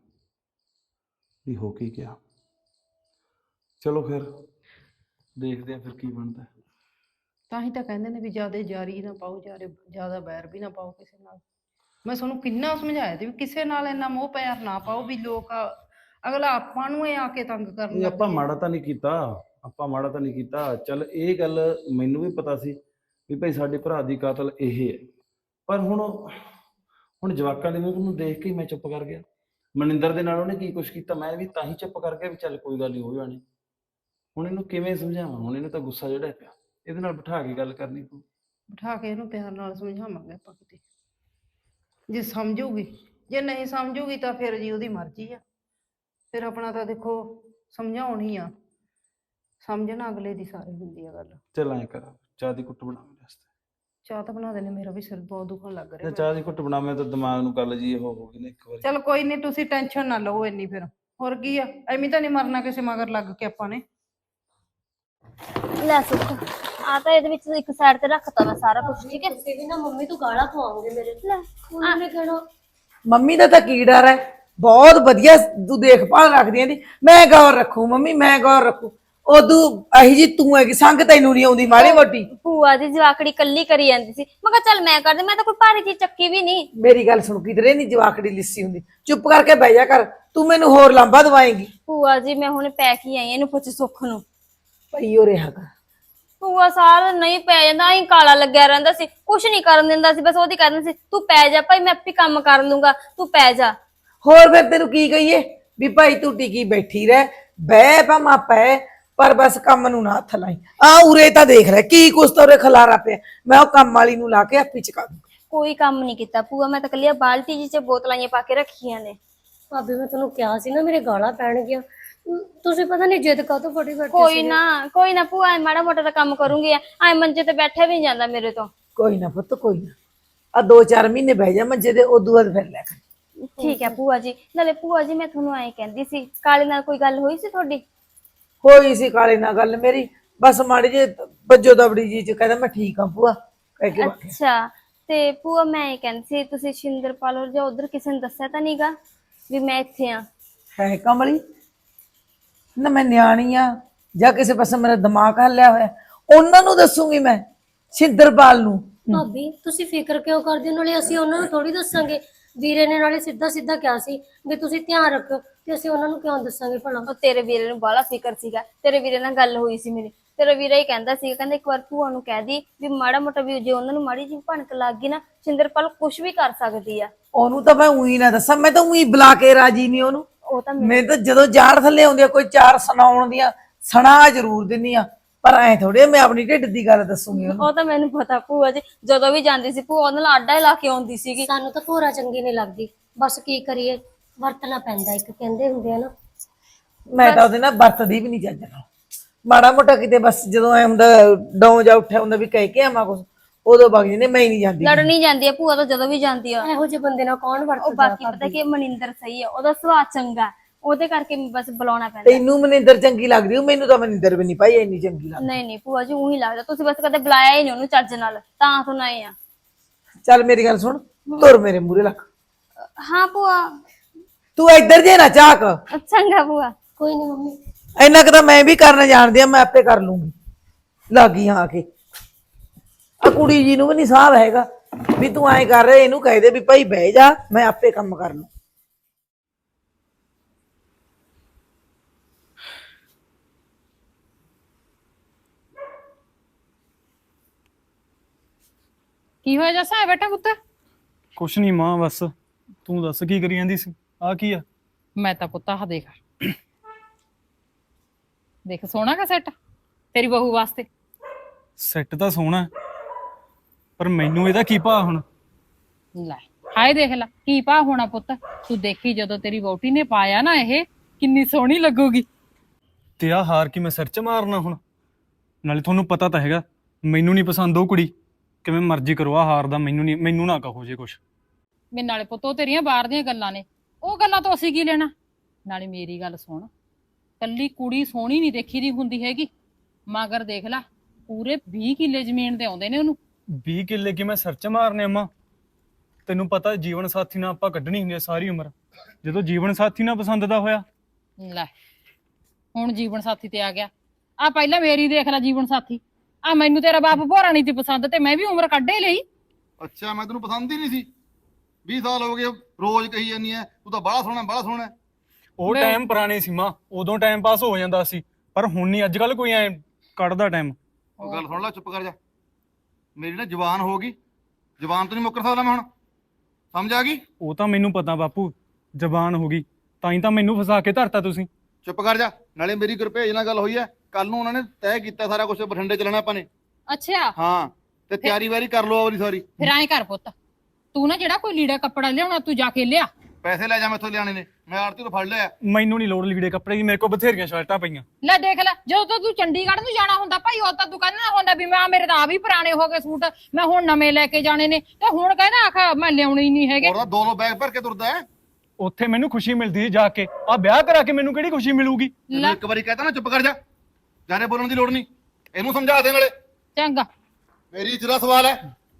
ਵੀ ਹੋ ਕੀ ਗਿਆ। ਚਲੋ ਫਿਰ ਦੇਖਦੇ ਆ ਫਿਰ ਕੀ ਬਣਦਾ। ਤਾਂ ਹੀ ਤਾਂ ਕਹਿੰਦੇ ਨੇ ਵੀ ਜ਼ਿਆਦਾ ਜਾਰੀ ਨਾ ਪਾਓ, ਜ਼ਿਆਦਾ ਜ਼ਿਆਦਾ ਬੈਰ ਵੀ ਨਾ ਪਾਓ ਕਿਸੇ ਨਾਲ। ਮੈਂ ਤੁਹਾਨੂੰ ਕਿੰਨਾ ਸਮਝਾਇਆ ਤੇ ਵੀ ਕਿਸੇ ਨਾਲ ਇੰਨਾ ਮੋਹ ਪਿਆਰ ਨਾ ਪਾਓ ਵੀ ਲੋਕ ਅਗਲਾ ਆਪਾਂ ਨੂੰ ਇਹ ਆ ਕੇ ਤੰਗ ਕਰਨ ਇਹ ਲੱਗ ਆਪਾਂ ਜਾਏ। ਮਾੜਾ ਤਾਂ ਨਹੀਂ ਕੀਤਾ, ਆਪਾਂ ਮਾੜਾ ਤਾਂ ਨਹੀਂ ਕੀਤਾ। ਚੱਲ ਇਹ ਗੱਲ ਮੈਨੂੰ ਵੀ ਪਤਾ ਸੀ ਵੀ ਭਾਈ ਸਾਡੇ ਭਰਾ ਦੀ ਕਾਤਲ ਇਹ ਹੈ, ਪਰ ਹੁਣ ਹੁਣ ਜਵਾਕਾਂ ਦੇ ਮੂੰਹ ਨੂੰ ਦੇਖ ਕੇ ਹੀ ਮੈਂ ਚੁੱਪ ਕਰ ਗਿਆ। ਮਨਿੰਦਰ ਦੇ ਨਾਲ ਉਹਨੇ ਕੀ ਕੁਛ ਕੀਤਾ, ਮੈਂ ਵੀ ਤਾਂ ਹੀ ਚੁੱਪ ਕਰ ਗਿਆ ਵੀ ਚੱਲ ਕੋਈ ਗੱਲ ਨਹੀਂ ਹੋ ਜਾਣੀ। ਹੁਣ ਇਹਨੂੰ ਕਿਵੇਂ ਸਮਝਾਵਾਂ? ਹੁਣ ਇਹਨੂੰ ਤਾਂ ਗੁੱਸਾ ਜਿਹੜਾ ਪਿਆ, ਇਹਦੇ ਨਾਲ ਬਿਠਾ ਕੇ ਗੱਲ ਕਰਨੀ ਪਊ। ਬਿਠਾ ਕੇ ਇਹਨੂੰ ਪਿਆਰ ਨਾਲ ਸਮਝਾਵਾਂਗੇ ਆਪਾਂ ਕਿਤੇ, ਜੇ ਸਮਝੂਗੀ। ਜੇ ਨਹੀਂ ਸਮਝੂਗੀ ਤਾਂ ਫਿਰ ਜੀ ਉਹਦੀ ਮਰਜ਼ੀ ਆ। ਫਿਰ ਆਪਣਾ ਤਾਂ ਦੇਖੋ ਸਮਝਾਉਣ ਹੀ ਆ, ਸਮਝਣਾ ਅਗਲੇ ਦੀ ਸਾਰੀ ਹੁੰਦੀ ਆ ਗੱਲ। ਚੱਲ ਐਂ ਕਰ, ਚਾਹ ਦੀ ਕੁੱਟ ਬਣਾ ਮੇਰੇ ਵਾਸਤੇ। ਚਾਹ ਤਾਂ ਬਣਾ ਦੇਣੇ, ਮੇਰਾ ਵੀ ਸਿਰ ਬਹੁਤ ਦੁਖਣ ਲੱਗ ਤੇ ਰਿਹਾ। ਚਾਹ ਦੀ ਘੁੱਟ ਬਣਾ, ਮੈਂ ਤਾਂ ਦਿਮਾਗ ਨੂੰ ਗੱਲ ਜੀ ਉਹ ਹੋ ਗਈ ਨਾ ਇੱਕ ਵਾਰੀ। ਚਲ ਕੋਈ ਨਹੀਂ, ਤੁਸੀਂ ਟੈਨਸ਼ਨ ਨਾ ਲਓ ਇੰਨੀ। ਫਿਰ ਹੋਰ ਕੀ ਆ, ਐਵੇਂ ਤਾਂ ਨਹੀਂ ਮਰਨਾ ਕਿਸੇ ਮਗਰ ਲੱਗ ਕੇ ਆਪਾਂ ਨੇ। ਲੈ ਸੁੱਖ ਆ ਤਾਂ ਇਹਦੇ ਵਿੱਚ ਇੱਕ ਸਾਈਡ ਤੇ ਰੱਖਤਾ ਮੈਂ ਸਾਰਾ ਕੁਝ, ਠੀਕ ਹੈ। ਤੁਸੀਂ ਵੀ ਨਾ ਮੰਮੀ ਤੋਂ ਗਾਲਾਂ ਪਵਾਓਗੇ ਮੇਰੇ ਤੇ। ਉਹਨਾਂ ਨੇ ਕਹਿਣਾ ਮੰਮੀ ਦਾ ਤਾਂ ਕੀ ਡਰ ਹੈ, ਬਹੁਤ ਵਧੀਆ ਤੂੰ ਦੇਖਭਾਲ ਰੱਖਦੀ ਆਂ ਦੀ। ਮੈਂ ਗੌਰ ਰੱਖੂ ਮੰਮੀ, ਮੈਂ ਗੌਰ ਰੱਖੂ। ਉਦੋਂ ਅਹੀ ਜੀ ਤੂੰ ਹੈਗੀ, ਸੰਗ ਤੈਨੂੰ ਨਹੀਂ ਆਉਂਦੀ ਮਾੜੀ ਮੋਟੀ। ਭੂਆ ਦੀ ਜਵਾਕੜੀ ਕੱਲੀ ਕਰੀ ਜਾਂਦੀ ਸੀ, ਮੈਂ ਕਿਹਾ ਚੱਲ ਮੈਂ ਕਰਦੀ, ਮੈਂ ਤਾਂ ਕੋਈ ਭਾਰੀ ਚੀਜ਼ ਚੱਕੀ ਵੀ ਨਹੀਂ। ਮੇਰੀ ਗੱਲ ਸੁਣ, ਕਿਧਰੇ ਨਹੀਂ ਜਵਾਕੜੀ ਲਿੱਸੀ ਹੁੰਦੀ। ਚੁੱਪ ਕਰਕੇ ਬਹਿ ਜਾ ਕਰ, ਤੂੰ ਮੈਨੂੰ ਹੋਰ ਲਾਂਭਾ ਦਵਾਏਂਗੀ। ਭੂਆ ਜੀ ਮੈਂ ਹੁਣ ਪੈ ਕੇ ਆਈ, ਇਹਨੂੰ ਪੁੱਛ ਸੁੱਖ ਨੂੰ। ਪਈ ਹੋ ਰਿਹਾ ਕਰ। ਭੂਆ ਸਾਰਾ ਨਹੀਂ ਪੈ ਜਾਂਦਾ, ਅਸੀਂ ਕਾਲਾ ਲੱਗਿਆ ਰਹਿੰਦਾ ਸੀ, ਕੁਛ ਨਹੀਂ ਕਰਨ ਦਿੰਦਾ ਸੀ, ਬਸ ਉਹਦੀ ਕਹਿੰਦਾ ਸੀ ਤੂੰ ਪੈ ਜਾ ਭਾਈ, ਮੈਂ ਆਪੇ ਕੰਮ ਕਰ ਲੂੰਗਾ, ਤੂੰ ਪੈ ਜਾ। ਹੋਰ ਫਿਰ ਤੈਨੂੰ ਕੀ ਕਹੀਏ ਵੀ ਭਾਈ ਤੂੰ ਟਿਕੀ ਬੈਠੀ ਰਹਿ, ਬਹਿ ਭਾਵੇਂ ਪੈ, ਪਰ ਬਸ ਕੰਮ ਨੂੰ ਨਾ ਹੱਥ ਲਾਈ। ਆ ਉਰੇ ਤਾਂ ਦੇਖ ਲੈ ਕੀ ਕੁਛ ਤਾਂ ਉਰੇ ਖਲਾਰਾ ਪਿਆ, ਮੈਂ ਉਹ ਕੰਮ ਵਾਲੀ ਨੂੰ ਲਾ ਕੇ ਆਪੀ ਚਕਾ ਦੂੰ। ਕੋਈ ਕੰਮ ਨਹੀਂ ਕੀਤਾ ਭੂਆ, ਮੈਂ ਤਾਂ ਕੱਲੀ ਬਾਲਟੀ ਜੀ ਚ ਬੋਤਲਾਂ ਪਾ ਕੇ ਰੱਖੀਆਂ ਨੇ। ਭਾਬੀ ਮੈਂ ਤੁਹਾਨੂੰ ਕਿਹਾ ਸੀ ਨਾ ਮੇਰੇ ਗਾਲਾਂ ਪੈਣਗੀਆਂ, ਤੁਸੀਂ ਪਤਾ ਨਹੀਂ ਜਿੱਦ ਕਾਹਤੋਂ ਫੜੀ ਬੈਠੇ ਕੋਈ ਸੀਗੇ। ਨਾ ਕੋਈ ਨਾ ਭੂਆ, ਐ ਮਾੜਾ ਮੋਟਾ ਤਾਂ ਕੰਮ ਕਰੂੰਗੀ, ਐ ਮੰਜੇ ਤੇ ਬੈਠਾ ਵੀ ਨਹੀਂ ਜਾਂਦਾ ਮੇਰੇ ਤੋਂ। ਕੋਈ ਨਾ ਪੁੱਤ ਕੋਈ ਨਾ, ਆ ਦੋ ਚਾਰ ਮਹੀਨੇ ਬਹਿ ਜਾ ਮੰਜੇ ਤੇ, ਉਦੋਂ ਬਾਅਦ ਫਿਰ ਲੈ ਕਰ। ਠੀਕ ਹੈ ਭੂਆ ਜੀ। ਨਾਲੇ ਭੂਆ ਜੀ ਮੈਂ ਤੁਹਾਨੂੰ ਐਂ ਕਹਿੰਦੀ ਸੀ, ਕਾਲੇ ਨਾਲ ਕੋਈ ਗੱਲ ਹੋਈ ਸੀ ਤੁਹਾਡੀ? ਹੋਈ ਸੀ ਕਾਲੇ ਨਾਲ ਗੱਲ ਮੇਰੀ, ਬਸ ਮਾੜੀ ਜੇ ਬੱਜੋ ਦਬੜੀ ਜੀ ਚ ਕਹਿੰਦਾ ਮੈਂ ਠੀਕ ਆ ਭੂਆ ਕਹਿ ਕੇ ਬਾਕੀ। ਅੱਛਾ ਤੇ ਭੂਆ ਮੈਂ ਇਹ ਕਹਿੰਦੀ ਸੀ, ਤੁਸੀਂ ਸ਼ਿੰਦਰਪਾਲ ਔਰ ਜਾਂ ਉਧਰ ਕਿਸੇ ਨੂੰ ਦੱਸਿਆ ਤਾਂ ਨਹੀਂਗਾ ਵੀ ਮੈਂ ਇੱਥੇ ਆ? ਹੈ ਕਮਲੀ ਨਾ, ਮੈਂ ਨਿਆਣੀ ਆ ਜਾਂ ਕਿਸੇ ਪਾਸੇ ਮੇਰਾ ਦਿਮਾਗ ਹੱਲਿਆ ਹੋਇਆ, ਉਹਨਾਂ ਨੂੰ ਦੱਸੂਗੀ ਮੈਂ, ਸ਼ਿੰਦਰਪਾਲ ਨੂੰ। ਭਾਬੀ ਤੁਸੀਂ ਫਿਕਰ ਕਿਉਂ ਕਰਦੇ ਹੋ? ਨਾਲੇ ਅਸੀਂ ਉਹਨਾਂ ਨੂੰ ਥੋੜੀ ਦੱਸਾਂਗੇ। ਵੀਰੇ ਨੇ ਨਾਲੇ ਸਿੱਧਾ ਸਿੱਧਾ ਕਿਹਾ ਸੀ ਵੀ ਤੁਸੀਂ ਧਿਆਨ ਰੱਖੋ, ਤੇ ਅਸੀਂ ਉਹਨਾਂ ਨੂੰ ਕਿਉਂ ਦੱਸਾਂਗੇ ਭਲਾ? ਉਹ ਤੇਰੇ ਵੀਰੇ ਨੂੰ ਬਾਹਲਾ ਫਿਕਰ ਸੀਗਾ, ਤੇਰੇ ਵੀਰੇ ਨਾਲ ਗੱਲ ਹੋਈ ਸੀ ਮੇਰੀ, ਤੇਰਾ ਵੀਰਾ ਹੀ ਕਹਿੰਦਾ ਸੀਗਾ, ਕਹਿੰਦਾ ਇੱਕ ਵਾਰ ਭੂਆ ਨੂੰ ਕਹਿ ਦੀ ਵੀ ਮਾੜਾ ਮੋਟਾ ਵੀ ਜੇ ਉਹਨਾਂ ਨੂੰ ਮਾੜੀ ਜਿਹੀ ਭਣਕ ਲੱਗ ਗਈ ਨਾ, ਸ਼ਿੰਦਰਪਾਲ ਕੁਝ ਵੀ ਕਰ ਸਕਦੀ ਆ। ਉਹਨੂੰ ਤਾਂ ਮੈਂ ਉਹੀ ਨਾ ਦੱਸਾਂ, ਮੈਂ ਤਾਂ ਉਹੀ ਬੁਲਾ ਕੇ ਰਾਜੀ ਨਹੀਂ ਉਹਨੂੰ। ਉਹ ਤਾਂ ਮੈਂ ਤਾਂ ਜਦੋਂ ਜਾੜ ਥੱਲੇ ਆਉਂਦੀ ਆ ਕੋਈ ਚਾਰ ਸੁਣਾਉਣ ਦੀਆਂ ਸੁਣਾ ਜ਼ਰੂਰ ਦਿੰਦੀ ਆ, ਪਰ ਐ ਥੋੜੇ ਮੈਂ ਆਪਣੀ ਢਿੱਡ ਦੀ ਗੱਲ ਦੱਸੂਗੀ ਉਹਨੂੰ। ਉਹ ਤਾਂ ਮੈਨੂੰ ਪਤਾ ਭੂਆ ਜੀ, ਜਦੋਂ ਵੀ ਜਾਂਦੀ ਸੀ ਭੂਆ ਉਹਦੇ ਨਾਲ ਆਡਾ ਹੀ ਲਾ ਕੇ ਆਉਂਦੀ ਸੀਗੀ। ਸਾਨੂੰ ਤਾਂ ਭੋਰਾ ਚੰਗੀ ਨਹੀਂ ਲੱਗਦੀ, ਬਸ ਕੀ ਕਰੀਏ, ਵਰਤਣਾ ਪੈਂਦਾ, ਇੱਕ ਕਹਿੰਦੇ ਹੁੰਦੇ ਆ ਨਾ। ਮੈਂ ਤਾਂ ਉਹਦੇ ਨਾਲ ਵਰਤਦੀ ਵੀ ਨਹੀਂ ਚੱਜ ਨਾਲ। ਮਾੜਾ ਮੋਟਾ ਕਿਤੇ ਬਸ ਜਦੋਂ ਐ ਹੁੰਦਾ ਡੌਂ ਜਾ ਉੱਠਿਆ ਹੁੰਦਾ ਵੀ ਕਹਿ ਕੇ ਆਵਾਂ ਕੁਛ, ਉਦੋਂ ਵਗ ਜਾਂਦੇ, ਮੈਂ ਹੀ ਨਹੀਂ ਜਾਂਦੀ। ਲੜਨੀ ਜਾਂਦੀ ਆ ਭੂਆ ਤਾਂ ਜਦੋਂ ਵੀ ਜਾਂਦੀ ਆ। ਇਹੋ ਜਿਹੇ ਬੰਦੇ ਨਾਲ ਕੌਣ ਉਹ ਵਰਤਦਾ ਬਾਕੀ ਪਤਾ ਕੀ ਮਨਿੰਦਰ ਸਹੀ ਆ, ਉਹਦਾ ਸੁਭਾਅ ਚੰਗਾ, ਉਹਦੇ ਕਰਕੇ ਬਸ ਬੁਲਾਉਣਾ ਪੈਂਦਾ। ਤੈਨੂੰ ਮਨਿੰਦਰ ਚੰਗੀ ਲੱਗਦੀ, ਉਹ ਮੈਨੂੰ ਤਾਂ ਮਨਿੰਦਰ ਵੀ ਨਹੀਂ ਭਾਈ ਇੰਨੀ ਚੰਗੀ ਲੱਗਦੀ। ਨਹੀਂ ਨਹੀਂ ਭੂਆ ਜੀ ਉਹੀ ਲੱਗਦਾ, ਤੁਸੀਂ ਬਸ ਕਦੇ ਬੁਲਾਇਆ ਹੀ ਨਹੀਂ ਉਹਨੂੰ ਚੱਜ ਨਾਲ, ਤਾਂ ਸੁਣਾਏ ਆ। ਚੱਲ ਮੇਰੀ ਗੱਲ ਸੁਣ, ਤੁਰ ਮੇਰੇ ਮੂਹਰੇ ਲੱਗ। ਹਾਂ ਭੂਆ। ਤੂੰ ਇੱਧਰ ਜੇ ਨਾ ਝਾਕ। ਚੰਗਾ ਭੂਆ। ਕੋਈ ਨਹੀਂ ਮੰਮੀ। ਇੰਨਾ ਕੁ ਤਾਂ ਮੈਂ ਵੀ ਕਰਨਾ ਜਾਣਦੀ ਆ, ਮੈਂ ਆਪੇ ਕਰ ਲੂੰਗੀ। ਲੱਗੀ ਆ ਕੇ ਆ ਕੁੜੀ ਜੀ ਨੂੰ ਵੀ ਨਹੀਂ ਸਾਹ ਹੈਗਾ ਵੀ ਤੂੰ ਐਂ ਕਰ ਰਿਹਾ, ਇਹਨੂੰ ਕਹਿ ਦੇ ਵੀ ਭਾਈ ਬਹਿ ਜਾ, ਮੈਂ ਆਪੇ ਕੰਮ ਕਰ ਲੂੰ। ਕੀ ਹੋਇਆ ਜੱਸਾ ਬੇਟਾ ਪੁੱਤ? ਕੁਛ ਨਹੀਂ ਮਾਂ, ਬਸ ਤੂੰ ਦੱਸ ਕੀ ਕਰੀ ਜਾਂਦੀ ਸੀ? ਆ ਕੀ ਆ? ਮੈਂ ਤਾਂ ਪੁੱਤ ਆਹ ਦੇਖ ਦੇਖ ਸੋਹਣਾ ਕਾ ਸੈੱਟ ਤੇਰੀ ਬਹੂ ਵਾਸਤੇ। ਸੈੱਟ ਤਾਂ ਸੋਹਣਾ ਹੈ, ਪਰ ਮੈਨੂੰ ਇਹਦਾ ਕੀ ਭਾ ਹੁਣ? ਲੈ ਹਾਏ ਦੇਖ ਲੈ ਕੀ ਭਾ ਹੋਣਾ ਪੁੱਤ, ਤੂੰ ਦੇਖੀ ਜਦੋਂ ਤੇਰੀ ਵਹੁਟੀ ਨੇ ਪਾਇਆ ਨਾ ਇਹ ਕਿੰਨੀ ਸੋਹਣੀ ਲੱਗੂਗੀ। ਤੇ ਆ ਹਾਰ ਕੀ ਮੈਂ ਸਿਰ 'ਚ ਮਾਰਨਾ ਹੁਣ? ਨਾਲੇ ਤੁਹਾਨੂੰ ਪਤਾ ਤਾਂ ਹੈਗਾ ਮੈਨੂੰ ਨਹੀਂ ਪਸੰਦ ਉਹ ਕੁੜੀ, ਕਿਵੇਂ ਮਰਜ਼ੀ ਕਰੋ, ਆ ਹਾਰ ਦਾ ਮੈਨੂੰ ਨਹੀਂ, ਮੈਨੂੰ ਨਾ ਕਹੋ ਜੇ ਕੁਛ। ਮੇਰੇ ਨਾਲੇ ਪੁੱਤ ਉਹ ਤੇਰੀਆਂ ਬਾਹਰ ਦੀਆਂ ਗੱਲਾਂ ਨੇ, ਉਹ ਗੱਲਾਂ ਤੋਂ ਅਸੀਂ ਕੀ ਲੈਣਾ। ਨਾਲੇ ਮੇਰੀ ਗੱਲ ਸੁਣ, ਕੱਲੀ ਕੁੜੀ ਸੋਹਣੀ ਨਹੀਂ ਦੇਖੀ ਦੀ ਹੁੰਦੀ ਹੈਗੀ, ਮਗਰ ਦੇਖ ਲੈ ਪੂਰੇ ਵੀਹ ਕਿੱਲੇ ਜ਼ਮੀਨ ਦੇ ਆਉਂਦੇ ਨੇ ਉਹਨੂੰ। ਵੀਹ ਕਿੱਲੇ ਕਿ ਮੈਂ ਸਿਰ 'ਚ ਮਾਰਨੇ ਅੰਮਾ? ਤੈਨੂੰ ਪਤਾ ਜੀਵਨ ਸਾਥੀ ਨਾਲ ਆਪਾਂ ਕੱਢਣੀ ਹੁੰਦੀ ਹੈ ਸਾਰੀ ਉਮਰ, ਜਦੋਂ ਜੀਵਨ ਸਾਥੀ ਨਾਲ ਪਸੰਦ ਦਾ ਹੋਇਆ। ਲੈ ਹੁਣ ਜੀਵਨ ਸਾਥੀ ਤੇ ਆ ਗਿਆ, ਆ ਪਹਿਲਾਂ ਮੇਰੀ ਦੇਖ ਲੈ ਜੀਵਨ ਸਾਥੀ, ਆ ਮੈਨੂੰ ਤੇਰਾ ਬਾਪ ਭੋਰਾ ਨਹੀਂ ਸੀ ਪਸੰਦ ਤੇ ਮੈਂ ਵੀ ਉਮਰ ਕੱਢੇ ਲਈ। ਅੱਛਾ ਮੈਂ ਤੈਨੂੰ ਪਸੰਦ ਹੀ ਨਹੀਂ ਸੀ? ਵੀਹ ਸਾਲ ਹੋ ਗਏ ਰੋਜ਼ ਕਹੀ ਜਾਂਦੀ ਐ ਤੂੰ ਤਾਂ ਬੜਾ ਸੋਹਣਾ ਬੜਾ ਸੋਹਣਾ। ਉਹ ਮੈਂ- ਟਾਈਮ ਪੁਰਾਣੇ ਸੀ ਮਾਂ, ਉਦੋਂ ਟਾਈਮ ਪਾਸ ਹੋ ਜਾਂਦਾ ਸੀ, ਪਰ ਹੁਣ ਨਹੀਂ ਅੱਜ ਕੱਲ ਕੋਈ ਐ ਕੱਢਦਾ ਟਾਈਮ। ਉਹ ਗੱਲ ਸੁਣ ਲੈ, ਚੁੱਪ ਕਰ ਜਾ। ਮੇਰੀ ਨਾ ਜ਼ੁਬਾਨ ਹੋ ਗਈ, ਜ਼ੁਬਾਨ ਤੋਂ ਨਹੀਂ ਮੁੱਕਰ ਸਕਦਾ ਮੈਂ ਹੁਣ, ਸਮਝ ਆ ਗਈ? ਉਹ ਤਾਂ ਮੈਨੂੰ ਪਤਾ ਬਾਪੂ, ਜ਼ਬਾਨ ਹੋ ਗਈ, ਤਾਂ ਹੀ ਤਾਂ ਮੈਨੂੰ ਫਸਾ ਕੇ ਧਰਤਾ ਤੁਸੀਂ। ਚੁੱਪ ਕਰ ਜਾ। ਨਾਲੇ ਮੇਰੀ ਗੁਰਭੇਜ ਨਾਲ ਗੱਲ ਹੋਈ ਐ, ਕੱਲ ਨੂੰ ਉਹਨਾਂ ਨੇ ਤੈਅ ਕੀਤਾ ਸਾਰਾ ਕੁਝ, ਬਠਿੰਡੇ ਚੱਲਣਾ ਆਪਾਂ ਨੇ। ਅੱਛਾ ਹਾਂ ਤੇ ਤਿਆਰੀ ਵਾਰੀ ਕਰ ਲਓ ਆਪਣੀ ਸਾਰੀ। ਫਿਰ ਐਂ ਕਰ ਪੁੱਤ, ਤੂੰ ਨਾ ਜਿਹੜਾ ਕੋਈ ਲੀੜਾ ਕੱਪੜਾ ਲਿਆਉਣਾ ਤੂੰ ਜਾ ਕੇ ਲਿਆ। ਪੈਸੇ ਲੈ ਜਾ ਮੈਥੋਂ ਲਿਆਣੇ ਨੇ, ਮੈਂ ਆੜਤੀ ਤੋਂ ਫੜ ਲਿਆ। ਮੈਨੂੰ ਨਹੀਂ ਲੋੜ ਲੀੜੇ ਕੱਪੜੇ ਦੀ, ਮੇਰੇ ਕੋਲ ਬਥੇਰੀਆਂ ਸ਼ਰਟਾਂ ਪਈਆਂ। ਲੈ ਦੇਖ ਲੈ, ਜਦੋਂ ਤੋਂ ਤੂੰ ਚੰਡੀਗੜ੍ਹ ਨੂੰ ਜਾਣਾ ਹੁੰਦਾ ਭਾਈ ਉਹ ਤਾਂ ਤੂੰ ਕਹਿੰਦਾ ਹੁੰਦਾ ਵੀ ਮੈਂ ਮੇਰੇ ਤਾਂ ਆ ਵੀ ਪੁਰਾਣੇ ਹੋ ਗਏ ਸੂਟ, ਮੈਂ ਹੁਣ ਨਵੇਂ ਲੈ ਕੇ ਜਾਣੇ ਨੇ, ਤੇ ਹੁਣ ਕਹਿੰਦਾ ਆਖਾ ਮੈਂ ਲਿਆਉਣੇ ਹੀ ਨਹੀਂ ਹੈਗੇ। ਉਹਦਾ ਦੋ ਦੋ ਬੈਗ ਭਰ ਕੇ ਤੁਰਦਾ ਹੈ। ਉੱਥੇ ਮੈਨੂੰ ਖੁਸ਼ੀ ਮਿਲਦੀ ਸੀ ਜਾ ਕੇ, ਆ ਵਿਆਹ ਕਰਾ ਕੇ ਮੈਨੂੰ ਕਿਹੜੀ ਖੁਸ਼ੀ ਮਿਲੂਗੀ? ਤੈਨੂੰ ਇੱਕ ਵਾਰੀ ਕਹਤਾ ਨਾ ਚੁੱਪ ਕਰ ਜਾ, ਜਾਨੇ ਬੋਲਣ ਦੀ ਲੋੜ ਨਹੀਂ, ਇਹਨੂੰ ਸਮਝਾ ਦੇ ਨਾਲੇ। ਚੰਗਾ ਮੇਰੀ ਇੱਜ਼ਤ ਦਾ ਸਵਾਲ ਹੈ।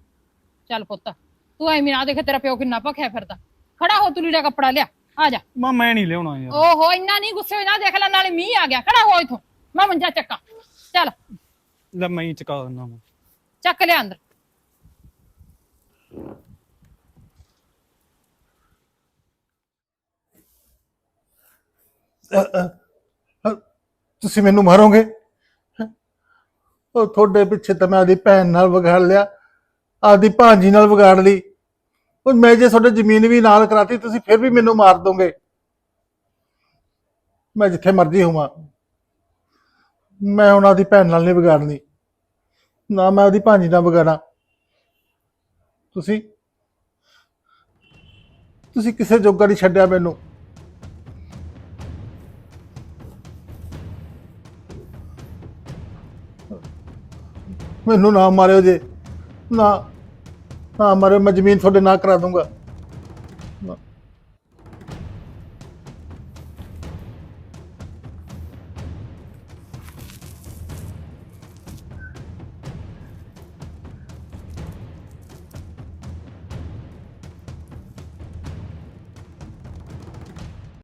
ਚੱਲ ਪੁੱਤ ਤੂੰ ਐਵੇਂ ਨਾ ਦੇਖ ਤੇਰਾ ਪਿਓ ਕਿੰਨਾ ਭਖਿਆ ਫਿਰਦਾ, ਖੜਾ ਹੋ ਤੂੰ ਲੀੜਾ ਕੱਪੜਾ ਲਿਆ, ਆ ਜਾ। ਮਾਂ ਮੈਂ ਨਹੀਂ ਲਿਆਉਣਾ ਯਾਰ। ਓਹੋ ਇੰਨਾ ਨਹੀਂ ਗੁੱਸੇ ਹੋਣਾ, ਦੇਖ ਲੈ ਨਾਲੇ ਮੀਂਹ ਆ ਗਿਆ, ਖੜਾ ਹੋ ਇਥੋਂ, ਮੈਂ ਮੰਜਾ ਚੱਕਾਂ। ਚੱਲ ਲੈ ਮੈਂ ਹੀ ਚੁਕਾ ਦਿੰਦਾ ਵਾਂ। ਚੱਕ ਲਿਆ ਅੰਦਰ। ਤੁਸੀਂ ਮੈਨੂੰ ਮਾਰੋਗੇ? ਉਹ ਤੁਹਾਡੇ ਪਿੱਛੇ ਤਾਂ ਮੈਂ ਆਦੀ ਭੈਣ ਨਾਲ ਵਿਗਾੜ ਲਿਆ, ਆਦੀ ਭਾਂਜੀ ਨਾਲ ਵਿਗਾੜ ਲਈ, ਉਹ ਮੈਂ ਜੇ ਤੁਹਾਡੇ ਜ਼ਮੀਨ ਵੀ ਨਾਲ ਕਰਾਤੀ ਤੁਸੀਂ ਫਿਰ ਵੀ ਮੈਨੂੰ ਮਾਰ ਦੋਗੇ। ਮੈਂ ਜਿੱਥੇ ਮਰਜ਼ੀ ਹੋਵਾਂ, ਮੈਂ ਉਹਨਾਂ ਦੀ ਭੈਣ ਨਾਲ ਨਹੀਂ ਵਿਗਾੜਨੀ, ਨਾ ਮੈਂ ਉਹਦੀ ਭਾਂਜੀ ਨਾਲ ਵਿਗਾੜਾਂ। ਤੁਸੀਂ ਤੁਸੀਂ ਕਿਸੇ ਜੋਗਾ ਨਹੀਂ ਛੱਡਿਆ ਮੈਨੂੰ। ਮੈਨੂੰ ਨਾ ਮਾਰਿਓ ਜੇ, ਨਾ ਨਾ ਮਾਰਿਓ, ਮੈਂ ਜ਼ਮੀਨ ਤੁਹਾਡੇ ਨਾਂ ਕਰਾ ਦੂੰਗਾ।